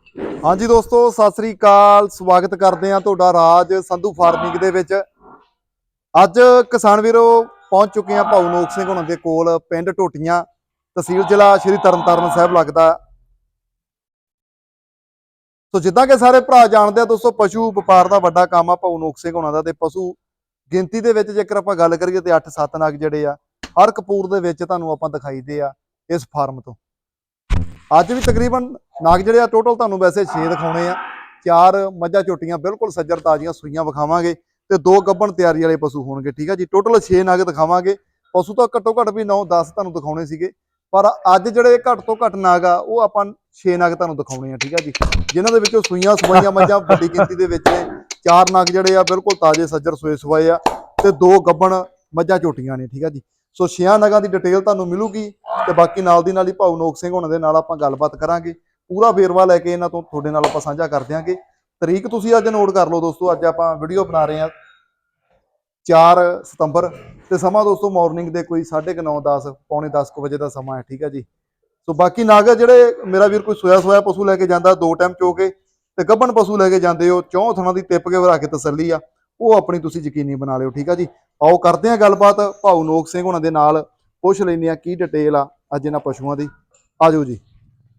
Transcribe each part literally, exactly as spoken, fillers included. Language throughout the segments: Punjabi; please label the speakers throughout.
Speaker 1: हाँ जी दोस्तों सत श्री अकाल स्वागत करते हैं तुहाडा राज संधू फार्मिंग दे विच। अज किसान वीरो पहुंच चुके हैं भाऊ नोक सिंह होना दे कोल पिंड टोटियां तहसील जिला श्री तरनतारन साहब लगदा। तो जिद्दां कि सारे भरा जानते हैं दोस्तों पशु व्यापार का वड्डा काम आ भाऊ नोक सिंह होना दा। ते पशु गिनती दे विच जेकर आपां गल करिए ते अठ सत्त नग जिहड़े आ हर कपूर दे विच तुहानूं आपां दिखाई दे आ इस फार्म तो। अज भी तकरीबन नाग जिहड़े आ टोटल तुहानूं वैसे छे दिखाउणे आ। चार मझां झोटियां बिल्कुल सज्जर ताजियां सूईयां विखावांगे ते दो गब्बन तैयारी वाले पशु होणगे। ठीक है जी, टोटल छे नग दिखावांगे। पशु तो घट्टो घट्ट भी नौ दस तुहानूं दिखाउणे सीगे, पर अज जिहड़े घट तो घट नग आ वो आपां छे नग तुहानूं दिखाउणे आ। ठीक है जी, जिन्हां दे विचों सूईयां सुवाईयां मझां वड्डी गिनती दे विच ने। चार नग जिहड़े आ बिल्कुल ताजे सज्जर सोए सुवाए आ ते दो गब्बन मझां झोटियां ने। ठीक है जी, सो छेयां नगां दी डिटेल तुहानूं मिलूगी ते बाकी नाल दी नाल ही भाऊ नोक सिंह होणां दे नाल आपां गलबात करांगे। पूरा वेरवा लैके इन्हां तों तुहाडे नाल आपां साझा कर दिआंगे। तरीक तुसीं अज नोट कर लो दोस्तों, अज आपां वीडियो बना रहे हैं चार सितंबर ते समा दोस्तों मॉर्निंग दे कोई साढ़े क नौ दस पौने दस क बजे का समा है। ठीक है जी, सो बाकी नाग जिहड़े मेरा वीर कोई सोया सोया पशु लैके जांदा दो टाइम चो के ते गब्बन पशु लैके जांदे हो चौं थणां दी टिप के वरा के तसल्ली आ वो अपनी तुसीं यकीनी बना लिओ। ठीक है जी, आओ करते हैं गलबात भाऊ नोक सिंह होणां दे नाल, पुछ लैंदे आ की डिटेल आ अज इन्हां पशुआं दी। आ जाओ जी।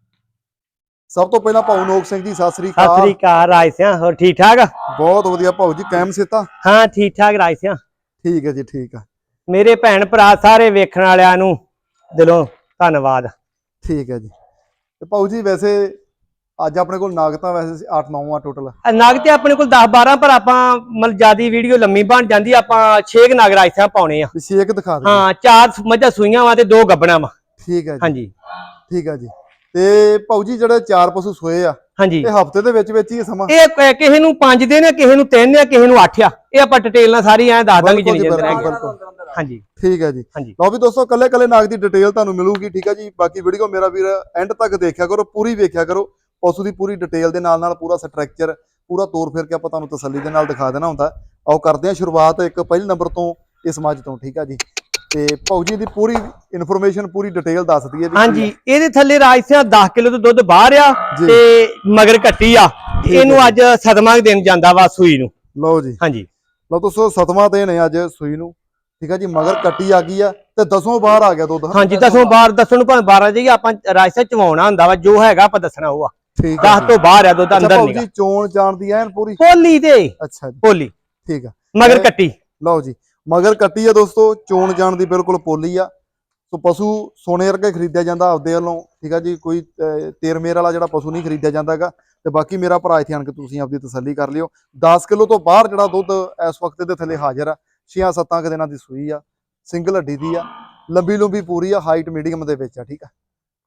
Speaker 1: सब तो पहला भाऊ नोक सिंह जी सत श्री
Speaker 2: सत श्री
Speaker 1: अकाल।
Speaker 2: अकाल राज सिंह, होर ठीक ठाक?
Speaker 1: बहुत वधिया भाऊ जी, कैम सेता?
Speaker 2: हाँ ठीक ठाक राज सिंह।
Speaker 1: ठीक है जी, ठीक है।
Speaker 2: मेरे भैन भरा सारे वेखण वालियां नूं दिलों धन्नवाद।
Speaker 1: ठीक है जी, तो भाऊ जी वैसे अज अपने कोल नाग तां वैसे अठ नौ आ टोटल
Speaker 2: नग ते अपने कोल दस बारह, पर आपां मतलब ज्यादा वीडियो लम्मी बन जाती, आपां छे क नग राज सिंह पाउणे आ।
Speaker 1: छे क दिखा दीजिए।
Speaker 2: हाँ, चार मझां सूईयां वा ते दो गब्बना वा।
Speaker 1: ठीक है
Speaker 2: हाँ
Speaker 1: जी,
Speaker 2: जी,
Speaker 1: ठीक है जी। ते भाऊ जी जिहड़े चार पशु सोए आ
Speaker 2: हाँ जी,
Speaker 1: ये हफ्ते दे विच विच ही समा?
Speaker 2: ये किसी नूं पांच दिन आ, किसी नूं तीन आ, किसी नूं अठ आ। ये आपां डिटेल नाल सारी ऐ दस दांगे
Speaker 1: बिल्कुल
Speaker 2: जिन्नी
Speaker 1: जी,
Speaker 2: जल्दी
Speaker 1: बिल्कुल
Speaker 2: रह
Speaker 1: बिल्कुल।
Speaker 2: हाँ जी,
Speaker 1: ठीक है जी,
Speaker 2: हाँ जी,
Speaker 1: लो भी दोस्तों कल्ले कल्ले नाग की डिटेल तुहानूं मिलूगी। ठीक है जी, बाकी वीडियो मेरा वीर एंड तक देखा करो, पूरी वेख्या करो। पशु की पूरी डिटेल के नाल नाल पूरा स्ट्रक्चर पूरा तोड़ फिर के आपां तुहानूं तसल्ली दे नाल दिखा देना हुंदा। आओ करते हैं शुरुआत एक पहले नंबर तो इस मझ तो। ठीक है जी, ते भाऊ जी दी पूरी इन्फॉर्मेशन पूरी डिटेल दस दईए भी
Speaker 2: हाँ
Speaker 1: की
Speaker 2: जी।
Speaker 1: है।
Speaker 2: ये थले राज सिंह दस किलो तो दुध बाहर आ
Speaker 1: जी
Speaker 2: ते मगर कट्टी आ।
Speaker 1: ठीक है
Speaker 2: इनू
Speaker 1: जी,
Speaker 2: अज सतवां दिन जांदा वा सूई नूं।
Speaker 1: लो जी,
Speaker 2: हाँ जी,
Speaker 1: लो दोस्तों सतवां दिन है अज सूई नूं। ठीक है जी, मगर कट्टी आ गई है ते दसों बाहर आ गया दुध है
Speaker 2: हाँ
Speaker 1: ना?
Speaker 2: जी, दसों बार दसन भावें बारह जाइए, आपां राज सिंह चवाउणा हुंदा वा, जो हैगा आपां दसना वो आ।
Speaker 1: ठीक है
Speaker 2: दस
Speaker 1: जी।
Speaker 2: तो बाहर आ दुध,
Speaker 1: अच्छा
Speaker 2: अंदर
Speaker 1: भाऊ
Speaker 2: निगा
Speaker 1: जी चोण जान दी ऐन पूरी?
Speaker 2: पोली दे
Speaker 1: अच्छा जी,
Speaker 2: पोली
Speaker 1: ठीक है।
Speaker 2: मगर
Speaker 1: ए,
Speaker 2: कट्टी।
Speaker 1: लो जी, मगर कट्टी है दोस्तों, चोण जान दी बिल्कुल पोली आ। तो पशु सोने वर्गे खरीदया जांदा आपदे वल्लों। ठीक है जी, कोई तेर मेर वाला जिहड़ा पशु नहीं खरीदया जांदा गा। ते बाकी मेरा भरा इत्थे आण के तुसीं आपदी तसल्ली कर लिओ। दस किलो तो बाहर जिहड़ा दुध इस वक्त दे थल्ले हाजिर आ। छेआं सत्तां क दिनां दी सूई आ, सिंगल हड्डी दी आ, लंबी लुंबी पूरी आ, हाइट मीडियम दे विच आ। ठीक है,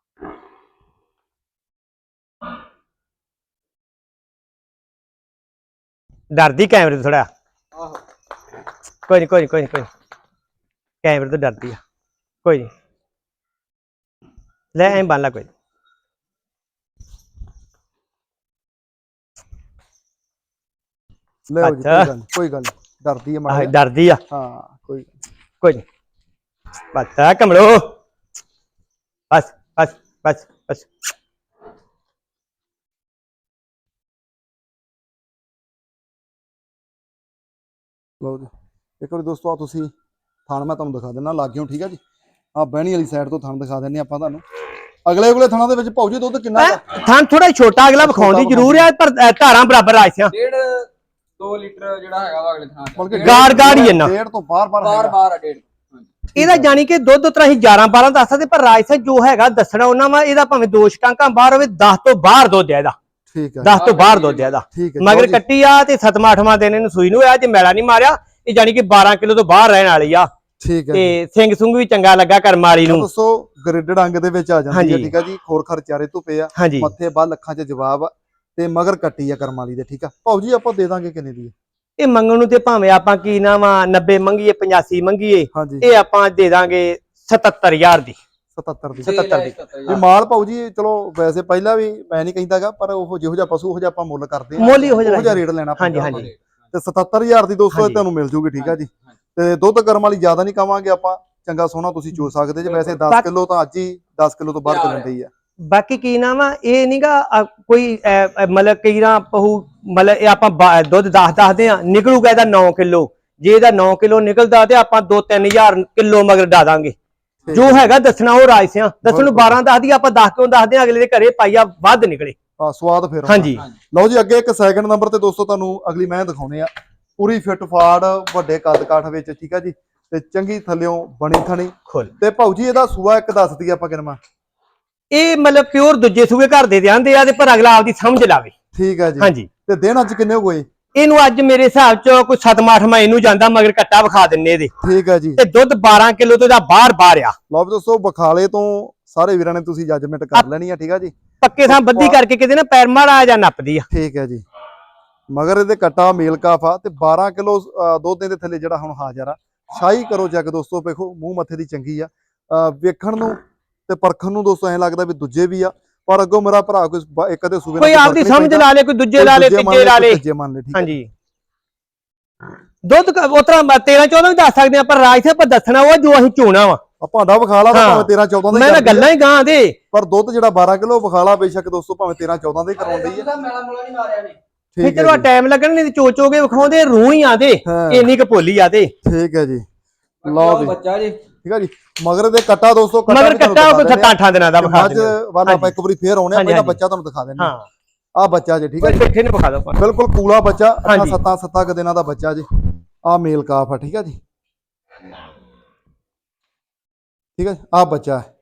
Speaker 2: डरदी कैमरे तो थोड़ा, कोई नहीं कोई नहीं कोई नहीं कोई नहीं, कैमरे तो डरदी आ, कोई नहीं ले ऐं बन ला कोई।
Speaker 1: ले जी,
Speaker 2: अच्छा
Speaker 1: कोई गल नहीं कोई गल नहीं, डरदी है माड़ा जिहा।
Speaker 2: डरदी आ,
Speaker 1: हाँ कोई
Speaker 2: कोई नहीं बस आ कमलो, बस बस बस बस।
Speaker 1: लो जी, एक बार दोस्तों आ तुसीं थान मैं तुहानूं दिखा दिंदा लाग्गियों। ठीक है जी, आ बहनी वाली साइड तो थान दिखा दिंदे आपां तुहानूं। अगले अगले थाना दे विच भाऊ जी दुध किन्ना गा?
Speaker 2: थान थोड़ा छोटा अगला विखाउंदी जरूर है, पर धारां बराबर राज सिंह।
Speaker 3: डेढ़ दो लीटर जिहड़ा हैगा वा अगले थां
Speaker 1: बल्कि
Speaker 3: च
Speaker 2: गाड़ गाड़ ही है ना,
Speaker 1: डेढ़ तो बार बार
Speaker 3: बार बार आ डेढ़।
Speaker 2: ਇਹਦਾ ਜਾਨੀ कि दुध तो ਅਸੀਂ ग्यारह बारह दस सकते, पर राज सिंह जो हैगा दसना ਉਹਨਾਂ ਵਾ, ਇਹਦਾ ਭਾਵੇਂ ਦੋ ਸ਼ਟਾਂਕਾਂ ਬਾਹਰ ਹੋਵੇ, दस ਤੋਂ ਬਾਹਰ ਦੁੱਧ ਹੈ ਇਹਦਾ।
Speaker 1: ठीक है,
Speaker 2: दस ਤੋਂ ਬਾਹਰ ਦੁੱਧ ਹੈ ਇਹਦਾ।
Speaker 1: ठीक है।
Speaker 2: ਮਗਰ ਕੱਟੀ ਆ ਤੇ ਸੱਤਵਾਂ ਅੱਠਵਾਂ ਦਿਨ ਇਹਨੂੰ ਸੂਈ ਨੂੰ ਆ, ਜੇ ਮੈਲਾ ਨਹੀਂ ਮਾਰਿਆ ਇਹ ਜਾਨੀ कि बारह किलो ਤੋਂ ਬਾਹਰ ਰਹਿਣ ਵਾਲੀ ਆ।
Speaker 1: ठीक है
Speaker 2: ਤੇ
Speaker 1: जी,
Speaker 2: ਸਿੰਘ ਸੁੰਗ ਵੀ ਚੰਗਾ ਲੱਗਾ ਕਰਮਾਲੀ ਨੂੰ।
Speaker 1: दोस्तों ग्रिडेड अंग दे विच आ जांदी है।
Speaker 2: ਹਾਂਜੀ
Speaker 1: ठीक है जी, खोर खर चारे धुपे आ,
Speaker 2: ਹਾਂਜੀ
Speaker 1: मत्थे बल अखां च जवाब आ ते मगर कट्टी आ करम वाली दे। ठीक है भाऊ जी, आपां दे दांगे किन्ने दी?
Speaker 2: ਇਹ ਮੰਗਣ ਨੂੰ ਤੇ ਭਾਵੇਂ ਆਪਾਂ ਕੀ ਨਾ ਵਾ नब्बे ਮੰਗੀਏ पचासी ਮੰਗੀਏ,
Speaker 1: हाँ जी,
Speaker 2: ਇਹ ਆਪਾਂ ਦੇ ਦਾਂਗੇ सतहत्तर हज़ार ਦੀ।
Speaker 1: सतहत्तर दी
Speaker 2: सतहत्तर दी
Speaker 1: भी माल भाऊ जी। चलो वैसे पहला भी मैं नहीं कहता गा, पर वो जिहो जिहा पशु उहो जिहा आपां मुੱਲ करते हैं,
Speaker 2: ਮੁੱਲ ਹੀ ਹੋ
Speaker 1: उहो जिहा
Speaker 2: ਜਾਣਾ।
Speaker 1: रेट लेना
Speaker 2: ਹਾਂਜੀ
Speaker 1: पैंदा
Speaker 2: ਹਾਂਜੀ
Speaker 1: ते सतहत्तर हज़ार दी दोस्तों
Speaker 2: ਹਾਂਜੀ।
Speaker 1: ਤੁਹਾਨੂੰ मिल जूगी। ठीक है जी, ਤੇ ਦੁੱਧ ਕਰਮ ਵਾਲੀ ਜ਼ਿਆਦਾ ਨਹੀਂ ਕਵਾਂਗੇ ਆਪਾਂ, ਚੰਗਾ ਸੋਹਣਾ ਤੁਸੀਂ ਚੋ ਸਕਦੇ ਜੇ। ਵੈਸੇ दस
Speaker 2: ਬਾਕ-
Speaker 1: ਕਿਲੋ ਤਾਂ ਅੱਜ ਹੀ दस ਕਿਲੋ ਤੋਂ ਬਾਹਰ ਚੱਲਣ ਡਈ ਆ।
Speaker 2: ਬਾਕੀ ਕੀ ਨਾਮ ਆ ਇਹ ਨਹੀਂਗਾ ਕੋਈ ਅਹ, ਅਹ, ਮਤਲਬ ਕਈ ਨਾ ਪਹੂ ਮਤਲਬ ਇਹ ਆਪਾਂ ਬਾ- ਦੁੱਧ ਦਸ ਦੱਸਦੇ ਆ ਨਿਕਲੂਗਾ ਇਹਦਾ ਨੌ ਕਿਲੋ ਜੇ ਇਹਦਾ ਨੌ ਕਿਲੋ ਨਿਕਲਦਾ ਤੇ ਆਪਾਂ ਦੋ ਤਿੰਨ ਹਜ਼ਾਰ ਕਿਲੋ ਮਗਰ ਡਾ ਦਾਂਗੇ ਜੋ ਹੈਗਾ ਦੱਸਣਾ ਉਹ ਰਾਜਸਿਆਂ ਦੱਸਣ ਨੂੰ ਬਾਰਾਂ ਦੱਸਦੀ ਆਪਾਂ ਦਸ ਕਿਉਂ ਦੱਸਦੇ ਆ ਅਗਲੇ ਦੇ ਘਰੇ ਪਾਈਆ ਵੱਧ ਨਿਕਲੇ
Speaker 1: ਆ ਸਵਾਦ ਫਿਰ
Speaker 2: ਹਾਂਜੀ
Speaker 1: ਲਓ ਜੀ ਅੱਗੇ ਇੱਕ ਸੈਕਿੰਡ ਨੰਬਰ ਤੇ ਦੋਸਤੋ ਤੁਹਾਨੂੰ ਅਗਲੀ ਮੈਂ ਦਿਖਾਉਣੇ ਆ ਪੂਰੀ ਫਿੱਟ ਫਾੜ ਵੱਡੇ ਕੱਦ ਕਾਠ ਵਿੱਚ ਠੀਕ ਆ ਜੀ ਤੇ ਚੰਗੀ ਥੱਲਿਓਂ ਬਣੀ ਥਣੀ
Speaker 2: ਖੁੱਲ
Speaker 1: ਤੇ ਭਾਊ ਜੀ ਇਹਦਾ ਸੂਆ ਇੱਕ ਦੱਸ ਦਈਏ ਆਪਾਂ ਕਿਨਮਾ
Speaker 2: ਇਹ ਮਤਲਬ ਪਿਓਰ ਦੂਜੇ ਸੂਏ ਘਰ ਦੇ ਦਿਆਂਦੇ ਆ ਤੇ ਪਰ ਅਗਲਾ ਆਪਦੀ ਸਮਝ ਲਾਵੇ
Speaker 1: ਠੀਕ ਆ ਜੀ
Speaker 2: ਹਾਂਜੀ
Speaker 1: ਤੇ ਦਿਨ ਅੱਜ ਕਿੰਨੇ ਹੋ ਗਏ
Speaker 2: ਇਹਨੂੰ ਅੱਜ ਮੇਰੇ ਹਿਸਾਬ ਚ ਕੋਈ ਸੱਤਵਾਂ ਅੱਠਵਾਂ ਇਹਨੂੰ ਜਾਂਦਾ ਮਗਰ ਕੱਟਾ ਵਿਖਾ ਦਿੰਨੇ ਇਹਦੇ
Speaker 1: ਠੀਕ ਆ ਜੀ
Speaker 2: ਤੇ ਦੁੱਧ ਬਾਰਾਂ ਕਿਲੋ ਤੋਂ ਇਹਦਾ ਬਾਹਰ ਬਾਹਰ ਆ
Speaker 1: ਲਓ ਵੀ ਦੋਸਤੋ ਬਖਾਲੇ ਤੋਂ ਸਾਰੇ ਵੀਰਾਂ ਨੇ ਤੁਸੀਂ ਜੱਜਮੈਂਟ ਕਰ ਲੈਣੀ ਆ ਠੀਕ ਆ ਜੀ
Speaker 2: ਪੱਕੇ ਥਾਂ ਬੱਧੀ ਕਰਕੇ ਕਿਤੇ ਨਾ ਪੈਰ ਮਾੜਾ ਜਾਂ ਨੱਪਦੀ ਆ
Speaker 1: ਠੀਕ ਹੈ ਜੀ ਮਗਰ ਇਹਦੇ ਕੱਟਾ ਮੇਲ ਕਾਫਾ ਤੇ ਬਾਰਾਂ ਕਿਲੋ ਦੁੱਧ ਦੇ ਥੱਲੇ ਜਿਹੜਾ ਹੁਣ ਹਾਜ਼ਰ ਆ ਸ਼ਾਹੀ ਕਰੋ ਜੱਗ ਦੋਸਤੋ ਵੇਖੋ ਮੂੰਹ ਮੱਥੇ ਦੀ ਚੰਗੀ ਆ ਅਹ ਵੇਖਣ ਨੂੰ ਤੇ ਪਰਖਣ ਨੂੰ ਦੋਸਤੋ ਐਂ ਲੱਗਦਾ ਵੀ ਦੂਜੇ ਵੀ ਆ ਪਰ ਅੱਗੋਂ ਮੇਰਾ ਭਰਾ ਕੋਈ ਬ- ਇੱਕ ਅੱਧੇ ਸੂਬੇ ਨਾਲ
Speaker 2: ਕੋਈ
Speaker 1: ਫਰਕ
Speaker 2: ਆਪਦੀ
Speaker 1: ਨਹੀਂ
Speaker 2: ਸਮਝ
Speaker 1: ਪੈਂਦਾ।
Speaker 2: ਲਾ ਲੇ ਕੋਈ ਦੂਜੇ
Speaker 1: ਕੋਈ
Speaker 2: ਲਾ ਲੇ
Speaker 1: ਦੂਜੇ ਮੰਨ
Speaker 2: ਤੀਜੇ ਲਾ
Speaker 1: ਕੋਈ
Speaker 2: ਲੇ
Speaker 1: ਤੀਜੇ ਮੰਨ ਲੈ ਠੀਕ ਹੈ
Speaker 2: ਹਾਂਜੀ ਦੁੱਧ ਉਤਰਾ ਤੇਰਾਂ ਚੌਦਾਂ ਵੀ ਦੱਸ ਸਕਦੇ ਆ ਪਰ ਰਾਜ ਸਾਹਿਬ ਦੱਸਣਾ ਉਹ ਜੋ ਅਸੀਂ ਚੋਣਾ ਵਾ
Speaker 1: ਆ ਭਾਂਡਾ ਵਿਖਾਲਾ ਤਾਂ
Speaker 2: ਹਾਂ।
Speaker 1: ਭਾਵੇਂ ਤੇਰਾਂ ਚੌਦਾਂ ਦਾ
Speaker 2: ਮੈਂ
Speaker 1: ਹੀ
Speaker 2: ਨਾ
Speaker 1: ਕਰਦੀ ਆ,
Speaker 2: ਗੱਲਾਂ ਹੀ ਗਾਂ ਦੇ
Speaker 1: ਪਰ ਦੁੱਧ ਜਿਹੜਾ ਬਾਰਾਂ ਕਿਲੋ ਵਿਖਾਲਾ ਬੇਸ਼ੱਕ ਦੋਸਤੋ ਭਾਵੇਂ ਤੇਰਾਂ ਚੌਦਾਂ ਦਾ ਹੀ ਕਰਾਉਂਦੀ ਆ
Speaker 3: ਇਹਦਾ ਮੇਲਾ ਮੁਲਾ ਨਹੀਂ ਮਾਰਿਆ ਨੇ
Speaker 1: ਠੀਕ
Speaker 2: ਫਿਰ
Speaker 1: ਹੈ
Speaker 2: ਚਲੋ
Speaker 1: ਜੀ
Speaker 2: ਟਾਈਮ ਲੱਗਣ ਨਹੀਂ ਤੇ ਚੋ ਚੋ ਕੇ ਵਿਖਾਉਂਦੇ ਰੂਹ ਹੀ ਆਦੇ
Speaker 1: ਹਾਂ।
Speaker 2: ਇੰਨੀ ਕੁ ਭੋਲੀ ਆਦੇ
Speaker 1: ਠੀਕ ਹੈ ਜੀ
Speaker 3: ਲਓ
Speaker 1: ਲਓ ਵੀ
Speaker 3: ਬੱਚਾ ਜੀ
Speaker 1: ਠੀਕ ਹੈ ਜੀ ਮਗਰ ਦੇ ਕੱਟਾ ਦੋਸਤੋ ਕੱਟਾ
Speaker 2: ਮਗਰ
Speaker 1: ਵੀ ਤੁਹਾਨੂੰ
Speaker 2: ਕੱਟਾ
Speaker 1: ਦਿਖਾ
Speaker 2: ਉਹ
Speaker 1: ਦਿੰਦੇ ਆ।
Speaker 2: ਸੱਤਾਂ ਦਿਨਾਂ ਦਾ
Speaker 1: ਤੇ
Speaker 2: ਵਿਖਾ
Speaker 1: ਮੱਝ
Speaker 2: ਦਿੰਦੇ
Speaker 1: ਵਾਲਾ ਆਪਾਂ ਇੱਕ ਵਾਰੀ ਫੇਰ ਆਉਣੇ ਆ
Speaker 2: ਹਾਂਜੀ,
Speaker 1: ਪਹਿਲਾਂ
Speaker 2: ਹਾਂਜੀ।
Speaker 1: ਬੱਚਾ ਤੁਹਾਨੂੰ ਦਿਖਾ ਦਿੰਦੇ
Speaker 2: ਹਾਂ
Speaker 1: ਆ ਬੱਚਾ ਜੀ ਠੀਕ ਹੈ
Speaker 2: ਕੋਈ
Speaker 1: ਜੀ
Speaker 2: ਬੈਠੇ ਨੇ ਵਿਖਾ ਦੋ
Speaker 1: ਬਿਲਕੁਲ ਕੂਲਾ ਬੱਚਾ ਅੱਠਾਂ
Speaker 2: ਹਾਂਜੀ।
Speaker 1: ਸੱਤਾਂ ਸੱਤਾਂ ਕੁ ਦਿਨਾਂ ਦਾ ਬੱਚਾ ਜੀ ਆ ਮੇਲ ਕਾਫ ਆ ਠੀਕ ਹੈ ਜੀ ਠੀਕ ਹੈ ਆ ਬੱਚਾ ਹੈ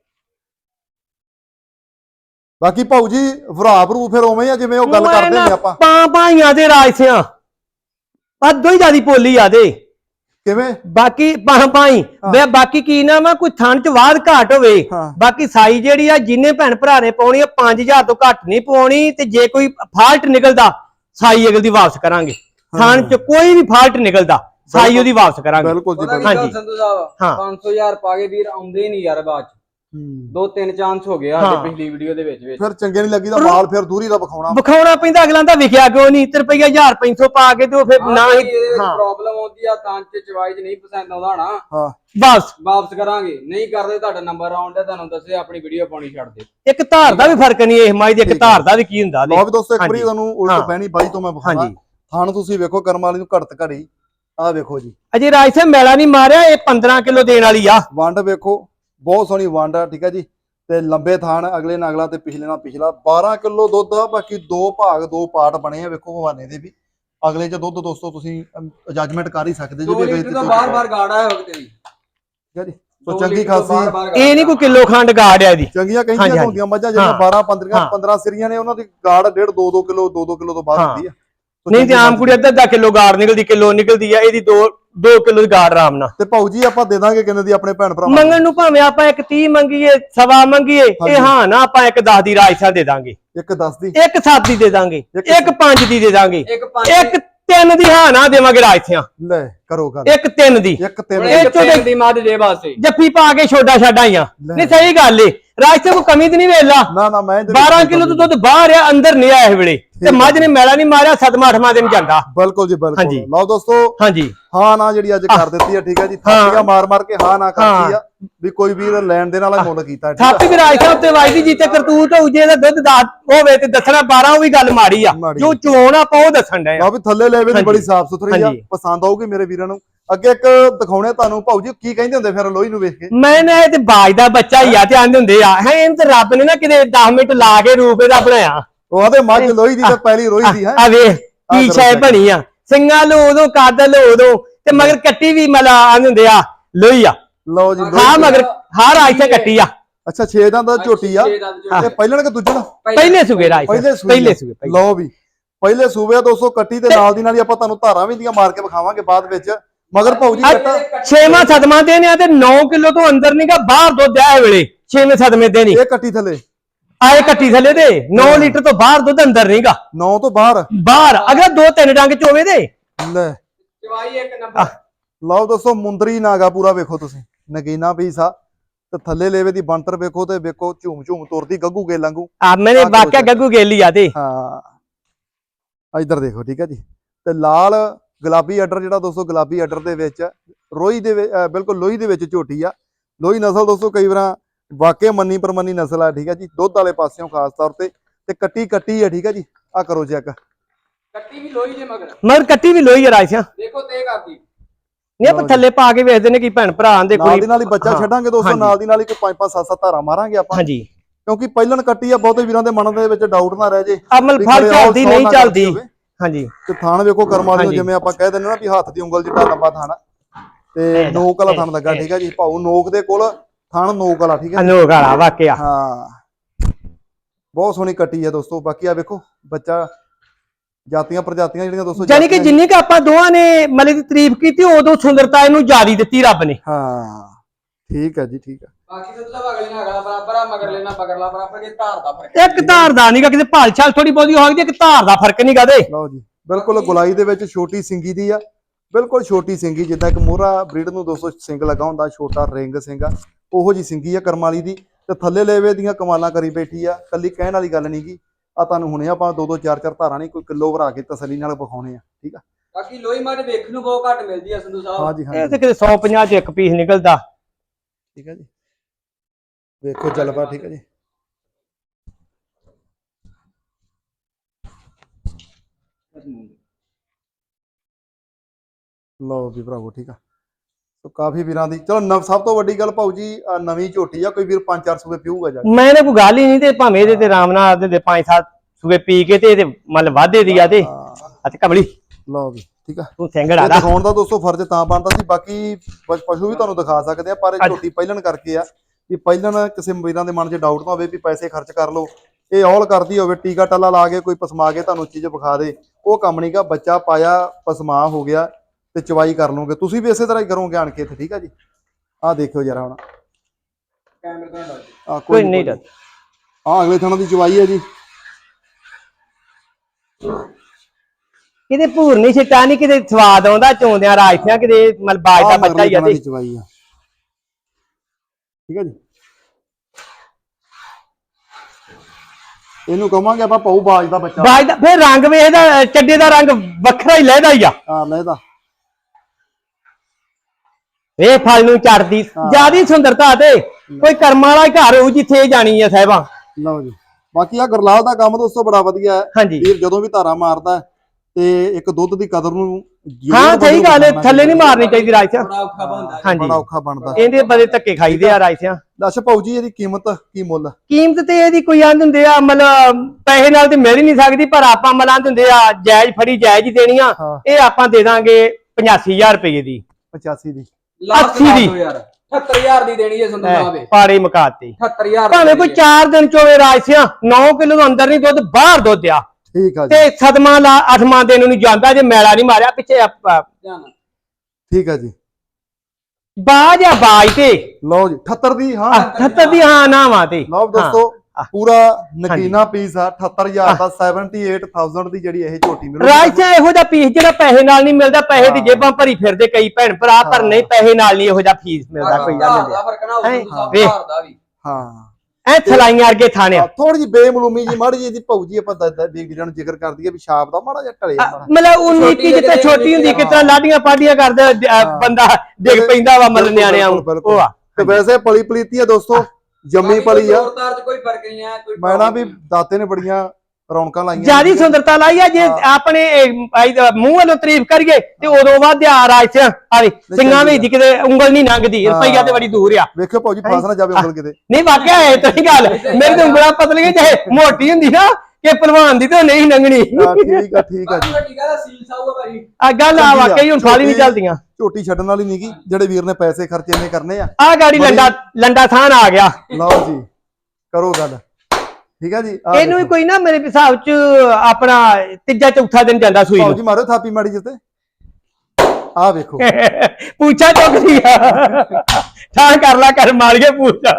Speaker 1: ਬਾਕੀ ਭਾਊ ਜੀ ਭਰਾ ਭਰੂ ਫਿਰ ਉਵੇਂ ਆ ਜਿਵੇਂ ਉਹ ਗੱਲ ਕਰਦੇ ਨੇ ਆਪਾਂ
Speaker 2: ਪਾ ਪਾਈਆਂ ਦੇ ਰਾਜ ਸਿਆਂ ਅੱਧੋ ਹੀ ਜਿਆਦੀ ਭੋਲੀ ਆਦੇ
Speaker 1: ਕਿਵੇਂ
Speaker 2: ਬਾਕੀ ਪਾਹ ਪਾਈ ਵੇ ਬਾਕੀ ਕੀ ਨਾ ਵਾ ਕੋਈ ਥਣ ਚ ਵਾਧ ਘਾਟ ਹੋਵੇ
Speaker 1: ਹਾਂ।
Speaker 2: ਬਾਕੀ ਸਾਈ ਜਿਹੜੀ ਆ ਜਿੰਨੇ ਭੈਣ ਭਰਾ ਨੇ ਪਾਉਣੀ ਆ ਪੰਜ ਹਜ਼ਾਰ ਤੋਂ ਘੱਟ ਨਹੀਂ ਪਾਉਣੀ ਤੇ ਜੇ ਕੋਈ ਫਾਲਟ ਨਿਕਲਦਾ ਸਾਈ ਅਗਲ ਦੀ ਵਾਪਸ ਕਰਾਂਗੇ ਥਣ ਚ ਕੋਈ ਵੀ ਫਾਲਟ ਨਿਕਲਦਾ ਸਾਈ ਉਹਦੀ ਵਾਪਸ ਕਰਾਂਗੇ
Speaker 1: ਬਿਲਕੁਲ ਜੀ
Speaker 3: ਉਹਦਾ ਕੀ
Speaker 1: ਬਿਲਕੁਲ
Speaker 3: ਗੱਲ ਸੰਧੂ ਸਾਹਿਬ
Speaker 2: ਹਾਂ।
Speaker 3: ਪੰਜ ਸੌ ਹਜ਼ਾਰ ਪਾ ਕੇ ਵੀਰ ਆਉਂਦੇ ਹੀ ਨਹੀਂ ਯਾਰ ਬਾਅਦ ਚ
Speaker 1: ਹੂੰ।
Speaker 3: ਦੋ ਤਿੰਨ ਚਾਂਸ ਹੋ ਗਏ
Speaker 2: ਹਾਂ।
Speaker 3: ਸਾਡੇ ਪਿਛਲੀ ਵੀਡੀਓ ਦੇ ਵਿੱਚ ਵਿੱਚ
Speaker 1: ਫਿਰ ਚੰਗੇ ਨਹੀਂ ਲੱਗੀ ਤਾਂ ਮਾਲ ਫਿਰ ਦੂਰੀ ਦਾ ਵਿਖਾਉਣਾ
Speaker 2: ਵਿਖਾਉਣਾ ਪੈਂਦਾ ਅਗਲਾਂ ਦਾ ਵਿਖਿਆ ਕਿਉਂ ਨਹੀਂ ਤੇ ਰੁਪਈਆ ਹਜ਼ਾਰ ਪੰਜ ਸੌ ਪਾ ਕੇ ਤੇ ਉਹ ਫਿਰ ਨਾ ਹੀ ਹਾਂ
Speaker 3: ਪ੍ਰੋਬਲਮ ਆਉਂਦੀ ਆ ਤਾਂ ਚ ਚਵਾਈ ਚ ਨਹੀਂ ਪਸੰਦ ਆਉਂਦਾ ਹਣਾ
Speaker 1: ਹਾਂ
Speaker 2: ਬਸ
Speaker 3: ਵਾਪਸ ਕਰਾਂਗੇ ਨਹੀਂ ਕਰਦੇ ਤੁਹਾਡਾ ਨੰਬਰ ਆਉਂਦਾ ਤੁਹਾਨੂੰ ਦੱਸੇ ਆਪਣੀ ਵੀਡੀਓ ਪਾਉਣੀ ਛੱਡ ਦੇ
Speaker 2: ਇੱਕ ਧਾਰ ਦਾ ਵੀ ਫਰਕ ਨਹੀਂ ਇਹ ਮਾਈ ਦੀ ਇੱਕ
Speaker 1: ਠੀਕ ਹੈ।
Speaker 2: ਧਾਰ ਦਾ ਵੀ ਕੀ ਹੁੰਦਾ
Speaker 1: ਲਓ ਵੀ ਦੋਸਤੋ ਇੱਕ ਵਾਰੀ
Speaker 2: ਹਾਂਜੀ।
Speaker 1: ਤੁਹਾਨੂੰ ਉਲਟ
Speaker 2: ਹਾਂ।
Speaker 1: ਪੈਣੀ ਬਾਈ ਤੋਂ ਮੈਂ ਵਿਖਾਉਣਾ
Speaker 2: ਹਾਂਜੀ
Speaker 1: ਥਾਣ ਤੁਸੀਂ ਵੇਖੋ ਕਰਮ ਵਾਲੀ ਨੂੰ ਘੜਤ ਘੜੀ ਆਹ ਵੇਖੋ ਜੀ
Speaker 2: ਅਜੇ ਰਾਜ ਸਾਹਿਬ ਮੈਲਾ ਨਹੀਂ ਮਾਰਿਆ ਇਹ ਪੰਦਰਾਂ ਕਿਲੋ ਦੇਣ ਵਾਲੀ ਆ
Speaker 1: ਵੰਡ ਵੇਖੋ ਬਹੁਤ ਸੋਹਣੀ ਵੰਡ ਆ ਠੀਕ ਹੈ ਜੀ ਤੇ ਲੰਬੇ ਥਾਣ ਅਗਲੇ ਨਾਲ ਅਗਲਾ ਤੇ ਪਿਛਲੇ ਨਾਲ ਪਿਛਲਾ ਬਾਰਾਂ ਕਿਲੋ ਦੁੱਧ ਆ ਬਾਕੀ ਦੋ ਭਾਗ ਦੋ ਪਾਰਟ ਬਣੇ ਆ ਵੇਖੋ ਹਵਾਨੇ ਦੇ ਵੀ ਅਗਲੇ ਚ ਦੁੱਧ ਦੋਸਤੋ ਤੁਸੀਂ ਜੱਜਮੈਂਟ ਕਰ ਹੀ ਸਕਦੇ ਜੀ
Speaker 3: ਦੋ ਲੀਟਰ ਤੋਂ ਬਾਰ ਬਾਰ ਗਾੜਾ ਹੈ ਵਕਤ ਦੀ
Speaker 1: ਠੀਕ ਹੈ ਜੀ ਸੋ ਚੰਗੀ ਖਾਸੀ
Speaker 2: ਇਹ ਨਹੀਂ ਕੋਈ ਕਿਲੋ ਖੰਡ ਗਾੜ ਆ ਇਹਦੀ
Speaker 1: ਚੰਗੀਆਂ
Speaker 2: ਹਾਂਜੀ,
Speaker 1: ਕਹਿੰਦੀਆਂ
Speaker 2: ਹਾਂਜੀ।
Speaker 1: ਹੁੰਦੀਆਂ ਮੱਝਾਂ ਜਿਹੜੀਆਂ
Speaker 2: ਹਾਂ।
Speaker 1: ਬਾਰਾਂ ਪੰਦਰਾਂ
Speaker 2: ਹਾਂ।
Speaker 1: ਪੰਦਰਾਂ ਸਿਰੀਆਂ ਨੇ ਉਹਨਾਂ ਦੀ ਗਾੜ ਡੇਢ ਦੋ ਦੋ ਕਿਲੋ ਦੋ ਦੋ ਕਿਲੋ ਤੋਂ ਬਾਅਦ
Speaker 2: ਹਾਂ।
Speaker 1: ਹੁੰਦੀ ਆ ਸੋ
Speaker 2: ਨਹੀਂ ਤੇ
Speaker 1: ਚੰਗੀ
Speaker 2: ਆਮ
Speaker 1: ਖਾਸੀ।
Speaker 2: ਕੁੜੀ ਅੱਧਾ ਅੱਧਾ ਕਿਲੋ ਗਾੜ ਨਿਕਲਦੀ ਕਿਲੋ ਨਿਕਲਦੀ ਆ ਇਹਦੀ ਦੋ ਦੋ ਕਿਲੋ ਦੀ ਗਾੜ ਆਰਾਮ ਨਾਲ
Speaker 1: ਤੇ ਭਾਊ ਜੀ ਆਪਾਂ ਦੇ ਦਾਂਗੇ ਕਿੰਨੇ ਦੀ ਆਪਣੇ ਭੈਣ ਭਰਾ
Speaker 2: ਮੰਗਣ ਨੂੰ ਭਾਵੇਂ ਆਪਾਂ ਇੱਕ ਤੀਹ ਮੰਗੀਏ ਸਵਾ ਮੰਗੀਏ
Speaker 1: ਹਾਂਜੀ।
Speaker 2: ਇਹ ਹਾਂ ਨਾ ਆਪਾਂ ਇੱਕ ਦਸ ਦੀ ਰਾਜਸਾ ਦੇ ਦਾਂਗੇ
Speaker 1: ਇੱਕ ਦਸ ਦੀ
Speaker 2: ਇੱਕ ਸੱਤ ਦੀ ਦੇ ਦਾਂਗੇ
Speaker 1: ਇੱਕ
Speaker 2: ਇੱਕ ਪੰਜ ਦੀ ਦੇ ਦਾਂਗੇ
Speaker 3: ਇੱਕ ਪੰਜ
Speaker 2: ਇੱਕ ਤਿੰਨ ਦੀ ਹਾਂ ਨਾ ਦੇਵਾਂਗੇ ਰਾਜਸਿਆਂ
Speaker 1: ਲੈ ਕਰੋ ਗੱਲ
Speaker 2: ਇੱਕ ਤਿੰਨ ਦੀ
Speaker 1: ਇੱਕ ਤਿੰਨ
Speaker 2: ਇਹ
Speaker 3: ਇਹ
Speaker 2: ਚੋਂ
Speaker 3: ਚੋਦੇ ਦੀ ਮੱਝ ਦੇ ਵਾਸਤੇ
Speaker 2: ਜੱਫੀ ਪਾ ਕੇ ਛੋਡਾ ਛਾਡਾਈਆਂ
Speaker 1: ਲੈ।
Speaker 2: ਨਹੀਂ ਸਹੀ ਗੱਲ ਏ ਰਾਜਸੇ ਕੋ ਕਮੀ ਤੇ ਨਹੀਂ ਵੇਲਾ
Speaker 1: ਨਾ ਨਾ ਮੈਂ ਇਹਦੇ ਵਿੱਚ
Speaker 2: ਬਾਰਾਂ
Speaker 1: ਨਹੀਂ
Speaker 2: ਕਿਲੋ ਤੋਂ
Speaker 1: ਕਮੀ।
Speaker 2: ਦੁੱਧ ਬਾਹਰ ਆ ਅੰਦਰ ਨਹੀਂ ਆਇਆ ਇਸ ਵੇਲੇ ਤੇ
Speaker 1: ਹੈ।
Speaker 2: ਮੱਝ ਨੇ ਮੈਲਾ ਨਹੀਂ ਮਾਰਿਆ ਸੱਤਵਾਂ ਅੱਠਵਾਂ ਦਿਨ ਜਾਂਦਾ
Speaker 1: ਬਿਲਕੁਲ ਜੀ ਬਿਲਕੁਲ
Speaker 2: ਹਾਂਜੀ।
Speaker 1: ਲਓ ਦੋਸਤੋ
Speaker 2: ਹਾਂਜੀ
Speaker 1: ਹਾਂ ਨਾ ਜਿਹੜੀ ਅੱਜ ਕਰ ਦਿੱਤੀ ਆ ਠੀਕ ਹੈ ਜੀ
Speaker 2: ਹਾਂ।
Speaker 1: ਥਾਪੀਆਂ ਮਾਰ ਮਾਰ ਕੇ ਹਾਂ ਨਾ ਕਰਤੀ
Speaker 2: ਹਾਂ।
Speaker 1: ਆ ਵੀ ਕੋਈ ਵੀਰ ਲੈਣ ਦੇ ਨਾਲ ਮੁੱਲ ਕੀਤਾ ਠੀਕ ਆ
Speaker 2: ਥਾਪੀ ਵੀ ਰਾਜਸੇ ਉੱਤੇ ਵਾਜਦੀ ਜਿੱਤੇ ਕਰਤੂਤ ਹੋਊ ਜੇ ਦਾ ਦੁੱਧ ਦਸ ਹੋਵੇ ਤੇ ਦੱਸਣਾ ਬਾਰਾਂ ਉਹ ਵੀ ਗੱਲ ਮਾੜੀ ਆ
Speaker 1: ਮਾੜੀ।
Speaker 2: ਜੋ ਚੋਣ ਆਪਾਂ ਉਹ ਦੱਸਣ ਡਏ ਆ
Speaker 1: ਲਓ ਵੀ ਥੱਲੇ ਲੈਵੇ ਦੀ
Speaker 2: ਹਾਂਜੀ।
Speaker 1: ਬੜੀ ਸਾਫ ਸੁਥਰੀ ਆ
Speaker 2: ਹਾਂਜੀ।
Speaker 1: ਪਸੰਦ ਆਊਗੀ ਮੇਰੇ ਵੀਰਾਂ ਨੂੰ ਅੱਗੇ ਇੱਕ ਦਿਖਾਉਣੇ ਤੁਹਾਨੂੰ ਭਾਊ ਜੀ ਕੀ ਕਹਿੰਦੇ ਹੁੰਦੇ ਫਿਰ ਲੋਹੀ ਨੂੰ ਵੇਖ ਕੇ
Speaker 2: ਮੈਂ ਨਾ ਇਹ ਤੇ ਬਾਜ ਦਾ ਬੱਚਾ ਹੀ ਆ ਤੇ ਆਂਦੇ ਹੁੰਦੇ ਆ ਹੈ ਇਹਨੂੰ ਤੇ ਰੱਬ ਨੇ ਨਾ ਕਿਤੇ ਦਸ ਮਿੰਟ ਲਾ ਕੇ ਰੂਪ ਇਹਦਾ ਬਣਾਇਆ
Speaker 1: ਉਹ ਆਦੇ ਮੱਝ ਲੋਹੀ ਦੀ ਤੇ ਪਹਿਲੀ ਰੋਈ ਦੀ ਹੈ
Speaker 2: ਆ ਵੇਖ ਕੀ
Speaker 1: ਕਰੋ
Speaker 2: ਸ਼ੈ
Speaker 1: check।
Speaker 2: ਬਣੀ ਆ ਸਿੰਘਾਂ ਲੋ ਉਦੋਂ ਕਾਦਲ ਉਦੋਂ ਤੇ ਮਗਰ ਕੱਟੀ ਵੀ ਮਲਾ ਆਂਦੇ ਹੁੰਦੇ ਆ ਲੋਈ ਆ
Speaker 1: ਲਓ ਜੀ ਲੋਹੀ
Speaker 2: ਹਾਂ
Speaker 1: ਦੀ।
Speaker 2: ਮਗਰ ਹਰ ਆਈ ਤੇ ਕੱਟੀ ਆ
Speaker 1: ਅੱਛਾ ਛੇ ਦੰਦ ਦਾ ਝੋਟੀ ਆ
Speaker 3: ਛੇ ਦੰਦ ਝੋਟੀ।
Speaker 1: ਤੇ ਪਹਿਲਣ ਕਿ ਦੂਜਣ
Speaker 2: ਪਹਿਲੇ ਸੁਗੇ ਰਾਜ
Speaker 1: ਪਹਿਲੇ ਸੂਏ
Speaker 2: ਪਹਿਲੇ
Speaker 1: ਆ।
Speaker 2: ਸੁਗੇ ਪਹਿਲੇ।
Speaker 1: ਲਓ ਵੀ ਪਹਿਲੇ ਸੂਬੇ ਆ ਦੋਸਤੋ ਕੱਟੀ ਤੇ ਨਾਲ ਦੀ ਨਾਲ ਹੀ ਆਪਾਂ ਤੁਹਾਨੂੰ ਧਾਰਾਂ ਵੀ ਦੀਆਂ ਮਾਰ ਕੇ ਵਿਖਾਵਾਂਗੇ ਬਾਅਦ ਵਿੱਚ ਮਗਰ ਭਾਊ ਜੀ ਕੱਟਾ
Speaker 2: ਛੇਵਾਂ ਸਦਮਾ ਦੇਨੇ ਆ ਤੇ ਨੌ ਕਿਲੋ ਤੋਂ ਅੰਦਰ ਨਹੀਂਗਾ ਬਾਹਰ ਦੁੱਧ ਆ ਇਹ ਵੇਲੇ ਛੇਵੇਂ ਸਦਮੇ ਦੇ ਨਹੀਂ
Speaker 1: ਇਹ ਕੱਟੀ ਥੱਲੇ
Speaker 2: ਆਏ ਕੱਟੀ ਥੱਲੇ ਦੇ ਨੌ ਲੀਟਰ ਤੋਂ ਬਾਹਰ ਦੁੱਧ ਅੰਦਰ ਨਹੀਂਗਾ
Speaker 1: ਨੌ ਤੋਂ ਬਾਹਰ
Speaker 2: ਬਾਹਰ ਅਗਰ ਦੋ ਤਿੰਨ ਡੰਗ ਚੋਵੇ ਦੇ
Speaker 1: ਲੈ
Speaker 3: ਚਵਾਈ ਇੱਕ ਨੰਬਰ
Speaker 1: ਲਓ ਦੋਸਤੋ ਮੁੰਦਰੀ ਨਾਗਾ ਪੂਰਾ ਵੇਖੋ ਤੁਸੀਂ ਨਗੀਨਾ ਪੀਸ ਆ ਤੇ ਥੱਲੇ ਲੇਵੇ ਦੀ ਬੰਤਰ ਵੇਖੋ ਤੇ ਵੇਖੋ ਝੂਮ ਝੂਮ ਤੁਰਦੀ ਗੱਗੂ ਗੇ ਲੰਗੂ
Speaker 2: ਆ ਮੈਨੇ
Speaker 1: ਆਹ ਕਰੋ
Speaker 2: ਵਾਕਿਆ
Speaker 1: check।
Speaker 2: ਗੱਗੂ ਗੇਲੀ ਆ ਤੇ
Speaker 1: ਹਾਂ ਇਧਰ ਦੇਖੋ ਠੀਕ ਹੈ ਜੀ ਤੇ ਲਾਲ ਗੁਲਾਬੀ ਆਰਡਰ ਜਿਹੜਾ ਦੋਸਤੋ ਗੁਲਾਬੀ ਆਰਡਰ ਦੇ ਵਿੱਚ ਰੋਈ ਦੇ ਵਿੱਚ- ਅਹ ਬਿਲਕੁਲ ਲੋਹੀ ਦੇ ਵਿੱਚ ਝੋਟੀ ਆ ਲੋਹੀ ਨਸਲ ਦੋਸਤੋ ਕਈ ਵਾਰਾਂ ਵਾਕਿਆ ਮੰਨੀ ਪਰਮੰਨੀ ਨਸਲ ਆ। ਠੀਕ ਆ ਜੀ, ਦੁੱਧ ਵਾਲੇ ਪਾਸਿਓਂ ਖਾਸ ਤੌਰ ਤੇ ਤੇ ਕੱਟੀ ਕੱਟੀ ਆ। ਠੀਕ ਆ ਜੀ, ਆ ਕਰੋ ਚੈੱਕ।
Speaker 3: ਕੱਟੀ ਵੀ ਲੋਈ ਜੇ ਮਗਰ
Speaker 2: ਮਗਰ ਕੱਟੀ ਵੀ ਲੋਈ ਆ ਰਾਜ ਸਿਆ।
Speaker 3: ਦੇਖੋ ਤੇ ਕਰਦੀ
Speaker 2: ਨਹੀਂ ਆਪਾਂ ਥੱਲੇ ਪਾ ਕੇ ਵੇਖਦੇ ਨੇ ਕੀ ਭੈਣ ਭਰਾ ਆਂਦੇ
Speaker 1: ਨਾਲ ਦੀ ਨਾਲ ਹੀ ਬੱਚਾ ਛੱਡਾਂਗੇ ਦੋਸਤੋ,
Speaker 2: ਹਾਂਜੀ।
Speaker 1: ਨਾਲ ਦੀ ਨਾਲ ਹੀ ਕੋਈ ਪੰਜ ਪੰਜ ਸੱਤ ਸੱਤ ਧਾਰਾ ਮਾਰਾਂਗੇ ਆਪਾਂ,
Speaker 2: ਹਾਂਜੀ
Speaker 1: ਕਿਉਂਕਿ ਪਹਿਲਣ ਕੱਟੀ ਆ। ਬਹੁਤੇ ਵੀਰਾਂ ਦੇ ਮਨ ਦੇ ਵਿੱਚ ਡਾਊਟ ਨਾ ਰਹਿ ਜੇ
Speaker 2: ਅਮਲ
Speaker 1: ਵੀ
Speaker 2: ਫਲ
Speaker 1: ਘਰੇ
Speaker 2: ਚੱਲਦੀ
Speaker 1: ਸੌ
Speaker 2: ਨਹੀਂ
Speaker 1: ਨਾ
Speaker 2: ਚੱਲਦੀ।
Speaker 1: ਹੋਵੇ।
Speaker 2: ਹਾਂਜੀ
Speaker 1: ਤੇ ਥਾਣ ਵੇਖੋ ਕਰਮ ਵਾਲੀ ਨੂੰ,
Speaker 2: ਹਾਂਜੀ।
Speaker 1: ਜਿਵੇਂ ਆਪਾਂ ਕਹਿ ਦਿੰਦੇ ਨਾ ਵੀ ਹੱਥ ਦੀ ਉਂਗਲ ਜਿੱਡਾ ਲੰਬਾ ਥਾਣ ਆ, ਤੇ ਨੋਕ ਵਾਲਾ ਥਣ ਲੱਗਾ। ਠੀਕ ਆ ਜੀ, ਭਾਊ ਨੋਕ ਦੇ ਕੋਲ ਥਣ ਨੋਕ ਵਾਲਾ। ਠੀਕ ਆ
Speaker 2: ਅਨੋਖ ਵਾਲਾ ਵਾਕਿਆ
Speaker 1: ਹਾਂ, ਬਹੁਤ ਸੋਹਣੀ ਕੱਟੀ ਆ ਦੋਸਤੋ। ਬਾਕੀ ਆ ਵੇਖੋ ਬੱਚਾ, ਜਾਤੀਆਂ ਪ੍ਰਜਾਤੀਆਂ ਜਿਹੜੀਆਂ ਦੋਸਤੋ,
Speaker 2: ਜਾਨੀ ਕਿ ਜਿੰਨੀ ਕ ਆਪਾਂ ਦੋਵਾਂ ਨੇ ਮਤਲਬ ਦੀ ਤਾਰੀਫ ਕੀਤੀ, ਉਦੋਂ ਸੁੰਦਰਤਾ ਇਹਨੂੰ ਜਾਰੀ ਦਿੱਤੀ ਰੱਬ ਨੇ।
Speaker 1: ਹਾਂ ਠੀਕ ਆ ਜੀ, ਠੀਕ ਆ।
Speaker 3: ਬਾਕੀ ਤੇ ਤਲਾ ਅਗਲੇ ਨਾਲ ਅਗਲਾ ਬਰਾਬਰ ਆ, ਮਗਰ ਲੈਣਾ ਮਗਰਲਾ ਬਰਾਬਰ, ਕਿ ਧਾਰ ਦਾ ਫਰਕ
Speaker 2: ਇੱਕ ਧਾਰ ਦਾ ਨਹੀਂਗਾ, ਕਿਤੇ ਭਾਲ ਛਾਲ ਥੋੜੀ ਬਹੁਤੀ ਹੋ ਗਈ, ਇੱਕ ਧਾਰ ਦਾ ਫਰਕ ਨਹੀਂਗਾ ਦੇ।
Speaker 1: ਲਓ ਜੀ, ਬਿਲਕੁਲ ਗੁਲਾਈ ਦੇ ਵਿੱਚ ਛੋਟੀ ਸਿੰਗੀ ਦੀ ਆ, ਬਿਲਕੁਲ ਛੋਟੀ ਸਿੰਗੀ, ਜਿੱਦਾਂ ਇੱਕ ਮੋਹਰਾ ਬਰੀਡ ਨੂੰ ਦੋਸਤੋ ਸਿੰਗ ਲੱਗਾ ਹੁੰਦਾ, ਛੋਟਾ ਰਿੰਗ ਸਿੰਘ ਆ, ਉਹੋ ਜੀ ਸਿੰਗੀ ਆ ਕਰਮ ਵਾਲੀ ਦੀ। ਤੇ ਥੱਲੇ ਲੇਵੇ ਦੀਆਂ ਕਮਾਲਾਂ ਕਰੀ ਬੈਠੀ ਆ, ਕੱਲੀ ਕਹਿਣ ਵਾਲੀ ਗੱਲ ਨਹੀਂਗੀ। ਆ ਤੁਹਾਨੂੰ ਹੁਣੇ ਆਪਾਂ ਦੋ ਦੋ ਚਾਰ ਚਾਰ ਧਾਰਾਂ ਨਹੀਂ, ਕੋਈ ਕਿਲੋ ਭਰਾ ਕੇ ਤਸੱਲੀ ਨਾਲ ਵਿਖਾਉਣੇ ਆ। ਠੀਕ ਆ,
Speaker 3: ਬਾਕੀ ਲੋਈ ਮੱਝ ਵੇਖਣ ਨੂੰ ਬਹੁਤ ਘੱਟ ਮਿਲਦੀ ਆ ਸੰਧੂ ਸਾਹਿਬ।
Speaker 1: ਹਾਂਜੀ
Speaker 2: ਇਹ
Speaker 1: ਹਾਂਜੀ
Speaker 2: ਤੇ ਕਿਤੇ ਸੌ ਪੰਜਾਹ ਚ ਇੱਕ ਪੀਸ ਨਿਕਲਦਾ।
Speaker 1: ਠੀਕ ਆ ਜੀ, ਵੇਖੋ ਜਲਵਾ। ਠੀਕ ਆ ਜੀ, ਲਓ ਵੀ ਭਰਾਵੋ। ਠੀਕ ਆ, ਸੋ ਕਾਫੀ ਵੀਰਾਂ ਦੀ ਚਲੋ ਨਵ ਸਭ ਤੋਂ ਵੱਡੀ ਗੱਲ ਭਾਊ ਜੀ, ਆਹ ਨਵੀਂ ਝੋਟੀ ਆ, ਕੋਈ ਵੀਰ ਪੰਜ ਚਾਰ ਸੌ ਪੀਊਗਾ ਜਾ ਕੇ।
Speaker 2: ਮੈਂ ਨੇ ਕੋਈ ਗੱਲ ਹੀ ਨਹੀਂ, ਤੇ ਭਾਵੇਂ ਇਹਦੇ ਤੇ ਰਾਮ ਨਾਲ ਦੇ ਪੰਜ ਸੱਤ ਸੂਏ ਪੀ ਕੇ ਤੇ ਇਹਦੇ ਮਤਲਬ ਵਾਧੇ ਦੀ ਆ ਤੇ ਅਤੇ ਕਬਲੀ।
Speaker 1: ਲਓ ਵੀ ਠੀਕ ਆ,
Speaker 2: ਤੂੰ ਸਿੰਗੜਾ
Speaker 1: ਇਹ
Speaker 2: ਦਾ
Speaker 1: ਦਿਖਾਉਣ ਦਾ ਦੋਸਤੋ ਫਰਜ਼ ਤਾਂ ਬਣਦਾ ਸੀ। ਬਾਕੀ ਪਸ਼- ਪਸ਼ੂ ਵੀ ਤੁਹਾਨੂੰ ਦਿਖਾ ਸਕਦੇ ਆ, ਪਰ ਇਹ ਝੋਟੀ ਪਹਿਲਣ ਕਰਕੇ ਆ ਵੀ ਪਹਿਲਣ ਕਿਸੇ ਵੀਰਾਂ ਦੇ ਮਨ 'ਚ ਡਾਊਟ ਨਾ ਹੋਵੇ ਵੀ ਪੈਸੇ ਖਰਚ ਕਰ ਲਓ, ਇਹ ਔਲ ਕਰਦੀ ਹੋਵੇ, ਟੀਕਾ ਟੱਲਾ ਲਾ ਕੇ ਕੋਈ ਪਸਮਾ ਕੇ ਤੁਹਾਨੂੰ ਚੀਜ਼ ਵਿਖਾ ਦੇ, ਉਹ ਕੰਮ ਨਹੀਂਗਾ। ਬੱਚਾ ਪਾਇਆ, ਪਸਮਾ ਹੋ ਗਿਆ ਤੇ ਚਵਾਈ ਕਰ ਲਓਗੇ ਤੁਸੀਂ ਵੀ ਇਸੇ ਤਰ੍ਹਾਂ ਹੀ ਕਰੋਗੇ ਆਣ ਕੇ ਇੱਥੇ। ਠੀਕ ਆ ਜੀ, ਆਹ ਦੇਖਿਓ ਜਰਾ ਹੁਣ,
Speaker 3: ਕੈਮਰੇ ਤੋਂ ਲੱਗ
Speaker 1: ਆ
Speaker 2: ਕੋਈ ਨਹੀਂ ਡਰ।
Speaker 1: ਆ ਅਗਲੇ ਥਾਣਾ ਦੀ ਚਵਾਈ ਹੈ ਜੀ।
Speaker 2: ਕਿਤੇ ਭੂਰ ਨਹੀਂ ਛਿੱਟਾ ਨਹੀਂ, ਕਿਤੇ ਸਵਾਦ ਆਉਂਦਾ ਚੋਂਦਿਆਂ ਰਾਜਿਆਂ, ਕਿਤੇ ਮਤਲਬ ਬਾਜ ਦਾ ਬੱਚਾ ਹੀ ਆ ਤੇ
Speaker 1: ਚਵਾਈ ਆ। ਠੀਕ ਆ ਜੀ, ਇਹਨੂੰ ਕਹਾਂਗੇ ਆਪਾਂ ਪਾਉ ਬਾਜ ਦਾ ਬੱਚਾ।
Speaker 2: ਬਾਜ ਦਾ ਫਿਰ ਰੰਗ ਵੇਖਦਾ, ਚੱਡੇ ਦਾ ਰੰਗ ਵੱਖਰਾ ਹੀ ਲਹਿਦਾ ਹੀ ਆ।
Speaker 1: ਹਾਂ ਲੈਦਾ,
Speaker 2: ਇਹ ਫਲ ਨੂੰ ਚੜਦੀ ਜਿਆਦੀ ਸੁੰਦਰਤਾ ਤੇ ਕੋਈ ਕਰਮ ਵਾਲਾ ਘਰ ਹੋਊ ਜਿੱਥੇ ਜਾਣੀ ਹੈ ਸਾਹਿਬਾਂ।
Speaker 1: ਲਓ ਜੀ, ਬਾਕੀ ਆ ਗੁਰਲਾਲ ਦਾ ਕੰਮ ਦੋਸਤੋ ਬੜਾ ਵਧੀਆ ਹੈ।
Speaker 2: ਹਾਂਜੀ
Speaker 1: ਵੀਰ ਜਦੋਂ ਵੀ ਧਾਰਾ ਮਾਰਦਾ ਤੇ ਇੱਕ ਦੁੱਧ ਦੀ ਕਦਰ ਨੂੰ
Speaker 2: ਹਾਂ ਸਹੀ ਗੱਲ ਹੈ, ਥੱਲੇ ਨਹੀਂ ਮਾਰਨੀ ਚਾਹੀਦੀ ਰਾਜਿਆਂ।
Speaker 3: ਬੜਾ ਔਖਾ ਬਣਦਾ
Speaker 2: ਹਾਂਜੀ
Speaker 1: ਬੜਾ ਔਖਾ ਬਣਦਾ।
Speaker 2: ਇਹਦੇ ਬੜੇ ਧੱਕੇ ਖਾਈਦੇ ਆ ਰਾਜਿਆਂ।
Speaker 1: ਦੱਸ ਭਾਊ ਜੀ ਇਹਦੀ ਕੀਮਤ ਕੀ ਮੁੱਲ?
Speaker 2: ਕੀਮਤ ਤੇ ਇਹਦੀ ਕੋਈ ਆਂਦ ਹੁੰਦੇ ਆ ਮਤਲਬ ਪੈਸੇ ਨਾਲ ਤੇ ਮਿਲ ਹੀ ਨਹੀਂ ਸਕਦੀ, ਪਰ ਆਪਾਂ ਮਲਾਂ ਹੁੰਦੇ ਆ ਜਾਇਜ਼ ਫੜੀ ਜਾਇਜ਼ ਹੀ ਦੇਣੀ ਆ।
Speaker 1: ਹਾਂ।
Speaker 2: ਇਹ ਆਪਾਂ ਦੇ ਦਾਂਗੇ ਪਚਾਸੀ ਹਜ਼ਾਰ ਰੁਪਏ ਦੀ।
Speaker 1: ਪਚਾਸੀ ਦੀ
Speaker 3: ਲਾਸਟ
Speaker 2: ਅੱਸੀ ਦੀ।
Speaker 3: ਦੱਸ ਦਿਓ ਯਾਰ, ਅਠੱਤਰ ਹਜ਼ਾਰ ਦੀ ਦੇਣੀ ਹੈ ਸੰਧੂ ਸਾਹਿਬ ਇਹ।
Speaker 2: ਪਾੜੇ ਮਕਾਤੀ
Speaker 3: ਅਠੱਤਰ ਹਜ਼ਾਰ
Speaker 2: ਭਾਵੇਂ ਕੋਈ ਚਾਰ ਦਿਨ ਚੋਵੇ ਰਾਜਿਆਂ, ਨੌ ਕਿਲੋ ਤੋਂ ਅੰਦਰ ਨਹੀਂ ਦੁੱਧ, ਬਾਹਰ ਦੁੱਧ ਆ।
Speaker 1: ਠੀਕ ਆ ਜੀ,
Speaker 2: ਤੇ ਸਦਮਾ ਲਾ ਅੱਠਵਾਂ ਦਿਨ ਨੂੰ ਜਾਂਦਾ, ਜੇ ਮੈਲਾ ਨਹੀਂ ਮਾਰਿਆ ਪਿੱਛੇ ਆਪਾਂ
Speaker 1: ਠੀਕ ਆ ਜੀ।
Speaker 2: ਬਾਜ ਆ ਬਾਜ ਤੇ
Speaker 1: ਲਓ ਜੀ ਅਠੱਤਰ ਦੀ। ਹਾਂ
Speaker 2: ਅਠੱਤਰ ਦੀ ਹਾਂ ਨਾਵਾਂ ਤੇ।
Speaker 1: ਲਓ ਦੋਸਤੋ
Speaker 2: ਹਾਂ।
Speaker 1: ਪੂਰਾ ਨਕੀਨਾ ਪੀਸ ਆ, ਅਠੱਤਰ ਹਜ਼ਾਰ ਦਾ, ਅਠੱਤਰ ਹਜ਼ਾਰ ਦੀ ਜਿਹੜੀ ਇਹ ਝੋਟੀ ਮਿਲੂ।
Speaker 2: ਰਾਜਾ ਇਹੋ ਜਿਹਾ ਪੀਸ ਜਿਹੜਾ ਪੈਸੇ ਨਾਲ ਨਹੀਂ ਮਿਲਦਾ, ਪੈਸੇ ਦੀ ਜੇਬਾਂ ਭਰੀ ਫਿਰਦੇ ਕਈ ਭੈਣ ਭਰਾ, ਪਰ ਨਹੀਂ ਪੈਸੇ ਨਾਲ ਨਹੀਂ ਇਹੋ ਜਿਹਾ ਫੀਸ ਮਿਲਦਾ ਕੋਈ ਗੱਲ
Speaker 3: ਦਾ ਫਰਕ ਨਾ
Speaker 2: ਹੈਂ?
Speaker 3: ਹੋਊ
Speaker 2: ਵੇਖ।
Speaker 3: ਹਜ਼ਾਰ ਦਾ ਵੀ।
Speaker 1: ਹਾਂ
Speaker 2: ਐ ਥਲਾਈਆਂ ਅਰਗੇ ਥਾਣਿਆ
Speaker 1: ਥੋੜੀ ਜਿਹੀ ਬੇਮਲੂਮੀ ਜੀ ਮਾੜੀ ਜੀ ਭਾਊ ਜੀ ਆਪਾਂ ਵੀਰਾਂ ਨੂੰ ਜ਼ਿਕਰ ਕਰ ਦਈਏ ਵੀ ਛਾਪ ਦਾ ਮਾੜਾ ਜਿਹਾ ਢਲਿਆ ਮਾੜਾ।
Speaker 2: ਮਤਲਬ ਉਨੀ ਕੀ ਕਿਤੇ ਛੋਟੀ ਹੁੰਦੀ, ਕਿਤੇ ਲਾਡੀਆਂ ਪਾਡੀਆਂ ਕਰਦੇ ਅਹ ਬੰਦਾ ਡਿੱਗ ਪੈਂਦਾ ਵਾ ਮਤਲਬ ਨਿਆਣਿਆਂ ਨੂੰ ਉਹ ਆ।
Speaker 1: ਤੇ ਵੈਸੇ ਪਲੀ ਪਲੀਤੀ ਆ ਦੋਸਤੋ, ਜੰਮੀ ਪਲੀ ਆ।
Speaker 3: ਜ਼ੋਰਦਾਰ ਚ ਕੋਈ ਫਰਕ ਨਹੀਂ ਆ, ਕੋਈ
Speaker 1: ਮੈਂ ਨਾ ਵੀ ਦਾਤੇ ਨੇ ਬੜੀਆਂ ਰੌਣਕਾਂ ਲਾਈਆਂ,
Speaker 2: ਜਿਆਦੀ ਸੁੰਦਰਤਾ ਲਾਈ ਆ। ਜੇ ਆਪਣੇ ਮੂੰਹ ਵੱਲੋਂ ਤਾਰੀਫ ਕਰੀਏ ਤੇ ਉਦੋਂ ਬਾਅਦ ਆ ਰਾਜ ਆਵੇ ਸਿੰਘਾਂ ਵਿੱਚ ਕਿਤੇ ਉਂਗਲ ਨਹੀਂ ਲੰਘਦੀ, ਰੁਪਈਆ ਤੇ ਬੜੀ ਦੂਰ ਆ।
Speaker 1: ਵੇਖਿਓ ਭਾਊ ਜੀ ਫਸ ਨਾ ਜਾਵੇ ਉਂਗਲ ਕਿਤੇ।
Speaker 2: ਨਹੀਂ ਵਾਕਿਆ ਇਹ ਤਾਂ ਹੀ ਗੱਲ, ਮੇਰੇ ਤੇ ਉਂਗਲਾਂ ਪਤਲੀਆਂ ਚਾਹੇ ਮੋਟੀ ਹੁੰਦੀ ਨਾ ਕਿ ਪਹਿਲਵਾਨ ਦੀ ਤਾਂ ਨਹੀਂ ਲੰਘਣੀ।
Speaker 1: ਹਾਂ ਠੀਕ ਆ, ਠੀਕ ਆ ਜੀ।
Speaker 3: ਵੱਡੀ ਗੱਲ ਆ, ਸੀਲ ਸਾਊਗਾ ਭਾਈ।
Speaker 2: ਆ ਗੱਲ ਆ ਵਾਕਈ ਹੁਣ ਫਾਲੀ ਨਹੀਂ ਚੱਲਦੀਆਂ।
Speaker 1: ਝੋਟੀ ਛੱਡਣ ਵਾਲੀ ਨਹੀਂਗੀ, ਜਿਹੜੇ ਵੀਰ ਨੇ ਪੈਸੇ ਖਰਚੇ ਇੰਨੇ ਕਰਨੇ ਆ।
Speaker 2: ਆ ਗਾੜੀ ਲੰਡਾ ਲੰਡਾ ਥਾਨ ਆ ਗਿਆ।
Speaker 1: ਲਓ ਜੀ ਕਰੋ ਗੱਲ, ਠੀਕ ਆ ਜੀ। ਆਹ
Speaker 2: ਇਹਨੂੰ ਵੀ
Speaker 1: ਦੇਖੋ।
Speaker 2: ਕੋਈ ਨਾ ਮੇਰੇ ਹਿਸਾਬ ਚ ਆਪਣਾ ਤੀਜਾ ਚੌਥਾ ਦਿਨ ਜਾਂਦਾ ਸੂਈ
Speaker 1: ਭਾਊ
Speaker 2: ਨੂੰ।
Speaker 1: ਜੀ ਮਾਰੋ ਥਾਪੀ ਮਾੜੀ ਜਿੱਤੇ, ਆਹ ਵੇਖੋ।
Speaker 2: ਪੂਛਾ ਚੁੱਕ ਲਿਆ, ਠਾਂ ਕਰ ਲਾ ਕਰ ਮਾਰ ਕੇ ਪੂਛਾ।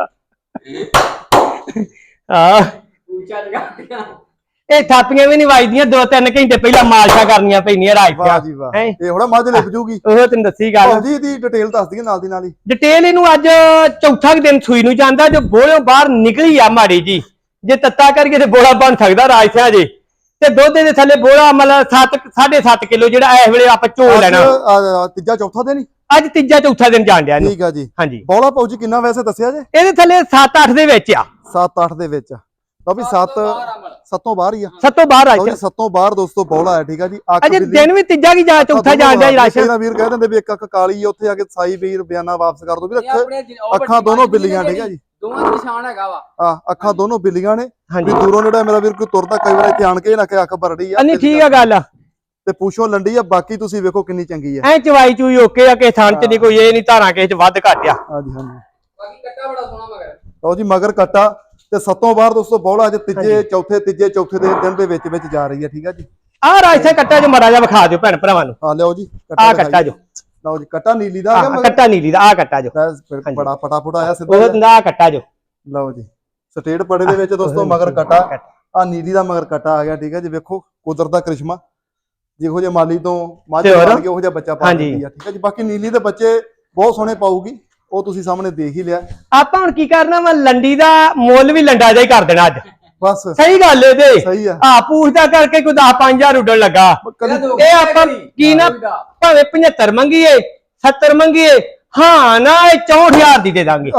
Speaker 2: ਹਾਂ
Speaker 3: ਉੱਚਾ ਜਗਾਤੀਆਂ।
Speaker 2: ਇਹ ਥਾਪੀਆਂ ਵੀ ਨਹੀਂ ਵੱਜਦੀਆਂ, ਦੋ ਤਿੰਨ ਘੰਟੇ ਪਹਿਲਾਂ ਮਾਲਸ਼ਾਂ ਕਰਨੀਆਂ ਪੈਂਦੀਆਂ ਰਾਜ
Speaker 1: ਵਾਹ ਜੀ ਵਾਹ,
Speaker 2: ਹੈਂ?
Speaker 1: ਇਹ ਹੋਣਾ ਮੱਝ ਲਿਪ ਜੂਗੀ।
Speaker 2: ਉਹ ਤੈਨੂੰ ਦੱਸੀ ਗੱਲ।
Speaker 1: ਭਾਊ ਜੀ ਇਹਦੀ ਡਿਟੇਲ ਦੱਸ ਦਈਏ ਨਾਲ ਦੀ ਨਾਲ ਹੀ।
Speaker 2: ਡਿਟੇਲ ਇਹਨੂੰ ਅੱਜ ਚੌਥਾ ਕੁ ਦਿਨ ਸੂਈ ਨੂੰ ਜਾਂਦਾ, ਜੋ ਬੋਲਿਓ ਬਾਹਰ ਨਿਕਲੀ ਆ ਮਾੜੀ ਜੀ। ਜੇ ਤੱਤਾ ਕਰਕੇ ਤੇ ਬੋਲਾ ਬਣ ਸਕਦਾ ਰਾਜ ਸਿਆ ਜੇ, ਤੇ ਦੁੱਧ ਦੇ ਥੱਲੇ ਬੋਲਾ ਮਤਲਬ ਸੱਤ ਸਾਢੇ ਸੱਤ ਕਿਲੋ ਜਿਹੜਾ ਇਸ ਵੇਲੇ ਆਪਾਂ ਝੋਲ ਲੈਣਾ।
Speaker 1: ਅੱਜ, ਅਹ, ਤੀਜਾ ਚੌਥਾ ਦਿਨ ਹੀ
Speaker 2: ਅੱਜ ਤੀਜਾ ਚੌਥਾ ਦਿਨ ਜਾਣ ਡਿਆ ਇਹਨੂੰ।
Speaker 1: ਠੀਕ ਆ ਜੀ।
Speaker 2: ਹਾਂਜੀ
Speaker 1: ਬੌਲਾ ਭਾਊ ਜੀ ਕਿੰਨਾ ਵੈਸੇ ਦੱਸਿਆ ਜੇ?
Speaker 2: ਇਹਦੇ ਥੱਲੇ ਸੱਤ ਅੱਠ ਦੇ ਵਿੱਚ ਆ।
Speaker 1: ਸੱਤ ਅੱਠ ਦੇ ਵਿੱਚ ਲਓ ਵੀ ਸੱਤ ਸੱਤੋਂ ਬਾਹਰ ਹੀ ਆ।
Speaker 2: ਸੱਤੋਂ ਬਾਹਰ ਆ
Speaker 1: ਲਓ ਜੀ ਸੱਤੋਂ ਬਾਹਰ ਦੋਸਤੋ ਬੌਲਾ ਹੈ। ਠੀਕ ਆ ਜੀ। ਅੱਖ
Speaker 2: ਅਜੇ
Speaker 1: ਬਿੱਲੀ
Speaker 2: ਦਿਨ ਵੀ ਤੀਜਾ ਕੀ ਜਾ ਚੌਥਾ ਜਾਣ ਡਿਆ ਰਾਸ਼ਨ।
Speaker 1: ਇਹਨਾਂ ਵੀਰ ਕਹਿ ਦਿੰਦੇ ਵੀ ਇੱਕ ਅੱਖ ਕਾਲੀ ਆ, ਉੱਥੇ ਆ ਕੇ ਸਾਈ ਵੀਰ ਬਿਆਨਾ ਵਾਪਸ ਕਰ ਦੋ ਵੀ ਅੱਖਾਂ ਦੋਨੋਂ ਬਿੱਲੀਆਂ। ਠੀਕ ਆ ਜੀ।
Speaker 3: ਦੋਵਾਂ ਦਾ ਨਿਸ਼ਾਨ ਹੈਗਾ ਵਾ।
Speaker 1: ਆ ਅੱਖਾਂ ਦੋਨੋਂ ਬਿੱਲੀਆਂ ਨੇ।
Speaker 2: ਹਾਂਜੀ
Speaker 1: ਵੀ ਦੂਰੋਂ ਜਿਹੜਾ ਮੇਰਾ ਵੀਰ ਕੋਈ ਤੁਰਦਾ ਕਈ ਵਾਰ ਇੱਥੇ ਆਣ ਕੇ ਨਾ ਕਿ ਅੱਖ ਭਰੜੀ ਆ।
Speaker 2: ਨਹੀਂ ਠੀਕ ਆ ਗੱਲ।
Speaker 1: ਤੇ ਪੁੱਛੋ ਲੰਡੀ ਆ। ਬਾਕੀ ਤੁਸੀਂ ਵੇਖੋ ਕਿੰਨੀ ਚੰਗੀ ਆ।
Speaker 2: ਐ ਚਵਾਈ ਚੂਈ ਓਕੇ ਆ, ਕਿਸੇ ਥਣ ਚ ਨਹੀਂ ਕੋਈ ਇਹ ਨਹੀਂ ਧਾਰਾਂ ਕਿਸੇ ਚ ਵੱਧ ਘੱਟ ਆ।
Speaker 1: ਹਾਂਜੀ ਹਾਂਜੀ।
Speaker 3: ਬਾਕੀ ਕੱਟਾ ਬੜਾ ਸੋਹਣਾ ਮਗਰ।
Speaker 1: ਲਓ ਜੀ ਮਗਰ ਕੱਟਾ ਤੇ ਸੱਤੋਂ ਬਾਹਰ ਦੋਸਤੋ ਬੌਲਾ ਅੱਜ ਤੀਜੇ ਚੌਥੇ ਤੀਜੇ ਚੌਥੇ ਦੇ ਦਿਨ ਦੇ ਵਿੱਚ ਵਿੱਚ ਜਾ ਰਹੀ ਹੈ। ਠੀਕ ਆ ਜੀ।
Speaker 2: ਆਹ ਰਾਜਸੇ ਕੱਟਾ ਜੋ ਮੜਾ ਜਾ ਵਿਖਾ ਦਿਓ ਭੈਣ ਭਰਾਵਾਂ ਨੂੰ।
Speaker 1: ਆ ਲਿਓ ਜੀ
Speaker 2: ਆਹ ਕੱਟਾ ਜੋ।
Speaker 1: ਲਓ ਜੀ ਕੱਟਾ ਨੀਲੀ ਦਾ ਆ ਗਿਆ।
Speaker 2: ਕੱਟਾ ਨੀਲੀ ਦਾ ਆਹ ਕੱਟਾ ਜੋ।
Speaker 1: ਬੜਾ ਫਟਾਫਟ ਆਇਆ ਸਿੱਧਾ।
Speaker 2: ਉਹ ਦਾ ਕੱਟਾ ਜੋ।
Speaker 1: ਲਓ ਜੀ ਸਟੇਟ ਪੜੇ ਦੇ ਵਿੱਚ ਦੋਸਤੋ ਮਗਰ ਕੱਟਾ ਆ ਨੀਲੀ ਦਾ ਮਗਰ ਕੱਟਾ ਆ ਗਿਆ। ਠੀਕ ਹੈ ਜੀ। ਵੇਖੋ ਕੁਦਰਤ ਦਾ ਕ੍ਰਿਸ਼ਮਾ, ਜਿਹੋ ਜਿਹੇ ਮਾਲੀ ਤੋਂ ਮੱਝ ਪਾਲ ਕੇ ਉਹੋ ਜਿਹਾ ਬੱਚਾ ਪਾ ਦਿੰਦੀ ਆ। ਠੀਕ ਹੈ ਜੀ। ਬਾਕੀ ਨੀਲੀ ਦੇ ਬੱਚੇ ਬਹੁਤ ਸੋਹਣੇ ਪਾਊਗੀ, ਉਹ ਤੁਸੀਂ ਸਾਹਮਣੇ ਦੇਖ ਹੀ ਲਿਆ।
Speaker 2: ਆਪਾਂ ਹੁਣ ਕੀ ਕਰਨਾ ਵਾ, ਲੰਡੀ ਦਾ ਮੁੱਲ ਵੀ ਲੰਡਾ ਜਿਹਾ ਹੀ ਕਰ ਦੇਣਾ ਅੱਜ।
Speaker 1: ਬਸ
Speaker 2: ਸਹੀ ਗੱਲ ਏ ਤੇ
Speaker 1: ਸਹੀ ਆ।
Speaker 2: ਆ ਪੁੱਛਦਾ ਕਰਕੇ ਕੋਈ ਦਸ ਪੰਜ ਹਜ਼ਾਰ ਉੱਡਣ ਲੱਗਾ। ਇਹ ਆਪਾਂ ਕੀ ਨਾ ਭਾਵੇਂ ਪਝੱਤਰ ਮੰਗੀਏ ਸੱਤਰ ਮੰਗੀਏ, ਹਾਂ ਨਾ ਇਹ ਚੌਂਹਠ ਹਜ਼ਾਰ ਦੀ ਦੇ ਦਾਂਗੇ।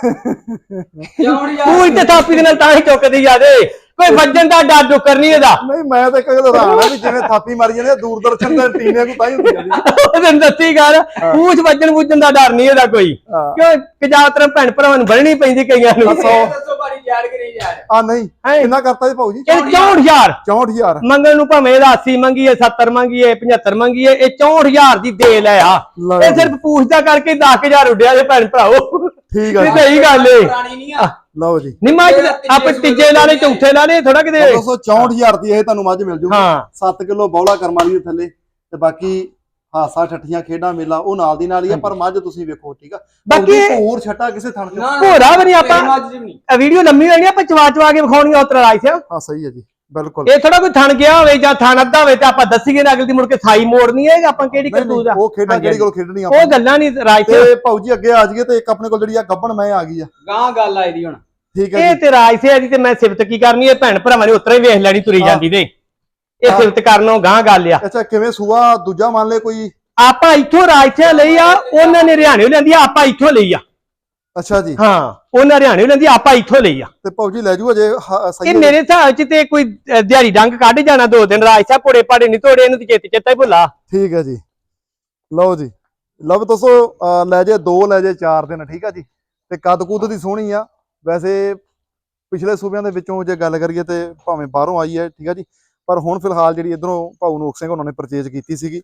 Speaker 2: ਪੂਛ ਤੇ ਥਾਪੀ ਦੇ ਨਾਲ ਤਾਂ ਹੀ ਚੁੱਕਦੀ ਜਾਦੇ, ਕੋਈ ਵੱਜਣ ਦਾ ਡਰ ਡੁੱਕਰ ਨਹੀਂ ਇਹਦਾ।
Speaker 1: ਨਹੀਂ ਮੈਂ ਤਾਂ ਕਦੇ ਹੈਰਾਨ ਆ ਵੀ ਜਿਵੇਂ ਥਾਪੀ ਮਾਰੀ ਜਾਂਦੇ ਦੂਰਦਰਸ਼ਨ ਦੇ ਟੀਨੇ ਨੂੰ ਤਾਂ ਹੀ ਹੁੰਦੀ ਜਾਂਦੀ।
Speaker 2: ਉਹਨੂੰ ਦੱਸੀ ਗੱਲ, ਪੂਛ ਵੱਜਣ ਵੁੱਜਣ ਦਾ ਡਰ ਨਹੀਂ ਇਹਦਾ ਕੋਈ, ਕਿਉਂ ਕਜਾਤਰ ਭੈਣ ਭਰਾਵਾਂ ਨੂੰ ਬਣਨੀ ਪੈਂਦੀ ਕਈਆਂ ਨੂੰ।
Speaker 3: ਦੱਸੋ ਬਾਰੀ ਯਾਰ ਕਿ ਨਹੀਂ ਯਾਰ?
Speaker 1: ਆ ਨਹੀਂ ਕਿੰਨਾ ਕਰਤਾ ਜੀ ਭਾਊ ਜੀ?
Speaker 2: ਇਹ ਚੌਂਹਠ ਹਜ਼ਾਰ
Speaker 1: ਚੌਂਹਠ ਹਜ਼ਾਰ
Speaker 2: ਮੰਗਣ ਨੂੰ, ਭਾਵੇਂ ਇਹਦਾ ਅੱਸੀ ਮੰਗੀਏ ਸੱਤਰ ਮੰਗੀਏ ਪਝੱਤਰ ਮੰਗੀਏ, ਇਹ ਚੌਂਹਠ ਹਜ਼ਾਰ ਦੀ ਦੇ ਲੈ ਆ। ਇਹ ਸਿਰਫ ਪੁੱਛਦਾ ਕਰਕੇ ਦਸ ਹਜ਼ਾਰ ਉੱਡਿਆ ਜੇ ਭੈਣ ਭਰਾਓ।
Speaker 1: ਠੀਕ ਆ ਜੀ।
Speaker 2: ਸਹੀ ਗੱਲ ਏ।
Speaker 3: ਪੁਰਾਣੀ ਨਹੀਂ ਆ।
Speaker 1: ਲਓ ਜੀ
Speaker 2: ਨਹੀਂ ਮੱਝ ਆਪਾਂ ਤੀਜੇ ਲਾਣੇ ਚੌਥੇ ਲਾਣੇ ਥੋੜਾ ਕਿਤੇ।
Speaker 1: ਦੋ ਸੌ ਚੌਂਹਠ ਹਜ਼ਾਰ ਦੀ ਇਹ ਤੁਹਾਨੂੰ ਮੱਝ ਮਿਲ ਜੂਗੀ।
Speaker 2: ਹਾਂ
Speaker 1: ਸੱਤ ਕਿਲੋ ਬੌਲਾ ਕਰਮਾਂ ਦੀ ਥੱਲੇ ਤੇ ਬਾਕੀ ਹਾਸਾ ਠੱਠੀਆਂ ਖੇਡਾਂ ਮੇਲਾ ਉਹ ਨਾਲ ਦੀ ਨਾਲ ਹੀ ਆ। ਪਰ ਮੱਝ ਤੁਸੀਂ ਵੇਖੋ। ਠੀਕ ਆ।
Speaker 2: ਬਾਕੀ
Speaker 1: ਹੋਰ ਛੱਟਾ ਕਿਸੇ ਥਣ ਚ
Speaker 2: ਭੋਰਾ ਵੀ ਨਹੀਂ। ਆਪਾਂ ਵੀਡੀਓ ਲੰਮੀ ਹੋਣੀ, ਆਪਾਂ ਚਵਾ ਚਵਾ ਕੇ ਵਿਖਾਉਣੀ ਆ ਉਤਰਾ ਰਾਈ ਸਿਆ।
Speaker 1: ਹਾਂ ਸਹੀ ਹੈ ਜੀ ਬਿਲਕੁਲ।
Speaker 2: ਇਹ ਥੋੜਾ ਕੋਈ ਥਣ ਗਿਆ ਹੋਵੇ ਜਾਂ ਥਣ ਅੱਧਾ ਹੋਵੇ ਤੇ ਆਪਾਂ ਦੱਸੀਏ ਨਾ ਅਗਲੀ ਦੀ ਮੁੜ ਕੇ ਸਾਈ ਮੋੜਨੀ ਹੈ। ਆਪਾਂ ਕਿਹੜੀ ਕਰਤੂਤ ਆ
Speaker 1: ਉਹ ਖੇਡਾਂ ਕਿਹੜੀ ਕੋਲ ਖੇਡਣੀ ਆ
Speaker 2: ਉਹ ਗੱਲਾਂ ਨਹੀਂ ਰਾਈ ਸਿਆ।
Speaker 1: ਤੇ ਭਾਊ ਜੀ ਅੱਗੇ ਆ ਜਾਈਏ ਤੇ ਇੱਕ ਆਪਣੇ ਕੋਲ ਜਿਹੜੀ ਆ ਗੱਬਣ ਮੈਂ ਆ ਗਈ ਆ।
Speaker 3: ਗਾਂ ਗੱਲ ਆਈ ਦੀ ਹੁਣ।
Speaker 1: ਠੀਕ ਹੈ
Speaker 2: ਇਹ
Speaker 1: ਜੀ।
Speaker 2: ਤੇ ਰਾਜ ਸਿਆ ਦੀ ਤੇ ਮੈਂ ਸਿਫਤ ਕੀ ਕਰਨੀ, ਇਹ ਭੈਣ ਭਰਾਵਾਂ ਨੇ ਉਤਰਾ ਹੀ ਵੇਖ ਲੈਣੀ ਤੁਰੀ ਜਾਂਦੀ ਦੇ। ਇਹ ਸਿਫਤ ਕਰਨੋਂ ਗਾਂ ਗੱਲ ਆ।
Speaker 1: ਅੱਛਾ ਕਿਵੇਂ ਸੂਆ ਦੂਜਾ ਮੰਨ ਲੈ ਕੋਈ?
Speaker 2: ਆਪਾਂ ਇੱਥੋਂ ਰਾਜ ਸਿਆ ਲਈ ਆ, ਉਹਨਾਂ ਨੇ ਹਰਿਆਣੇ ਲੈਂਦੀ ਆ, ਆਪਾਂ ਇੱਥੋਂ ਲਈ ਆ।
Speaker 1: ਅੱਛਾ ਜੀ।
Speaker 2: ਹਾਂ ਉਹਨਾਂ ਹਰਿਆਣੇ ਲੈਂਦੀ, ਆਪਾਂ ਇੱਥੋਂ ਲਈ ਆ।
Speaker 1: ਤੇ ਭਾਊ ਜੀ ਲੈ ਜੂ ਅਜੇ ਸਹੀ?
Speaker 2: ਇਹ ਮੇਰੇ ਹਿਸਾਬ ਚ ਤੇ ਕੋਈ ਦਿਹਾੜੀ ਡੰਗ ਕੱਢ ਜਾਣਾ ਦੋ ਦਿਨ। ਰਾਜ ਸਾਹਿਬ ਪੋੜੇ ਪਾੜੇ ਨਹੀਂ ਤੋੜੇ, ਇਹਨੂੰ ਤੇ ਚੇਤੇ ਚੇਤਾ ਹੀ ਭੁੱਲਾ।
Speaker 1: ਠੀਕ ਹੈ ਜੀ। ਲਓ ਜੀ ਲਓ ਦੱਸੋ ਲੈ ਜੇ ਦੋ ਲੈ ਜੇ ਚਾਰ ਦਿਨ। ਠੀਕ ਆ ਜੀ। ਤੇ ਕੱਦ ਕੁੱਦ ਦੀ ਸੋਹਣੀ ਆ। ਵੈਸੇ ਪਿਛਲੇ ਸੂਬਿਆਂ ਦੇ ਵਿੱਚੋਂ ਜੇ ਗੱਲ ਕਰੀਏ ਤੇ ਭਾਵੇਂ ਬਾਹਰੋਂ ਆਈ ਹੈ। ਠੀਕ ਆ ਜੀ। ਪਰ ਹੁਣ ਫਿਲਹਾਲ ਜਿਹੜੀ ਇਧਰੋਂ ਭਾਊ ਨੋਕ ਸਿੰਘ ਉਹਨਾਂ ਨੇ ਪਰਚੇਜ ਕੀਤੀ ਸੀਗੀ।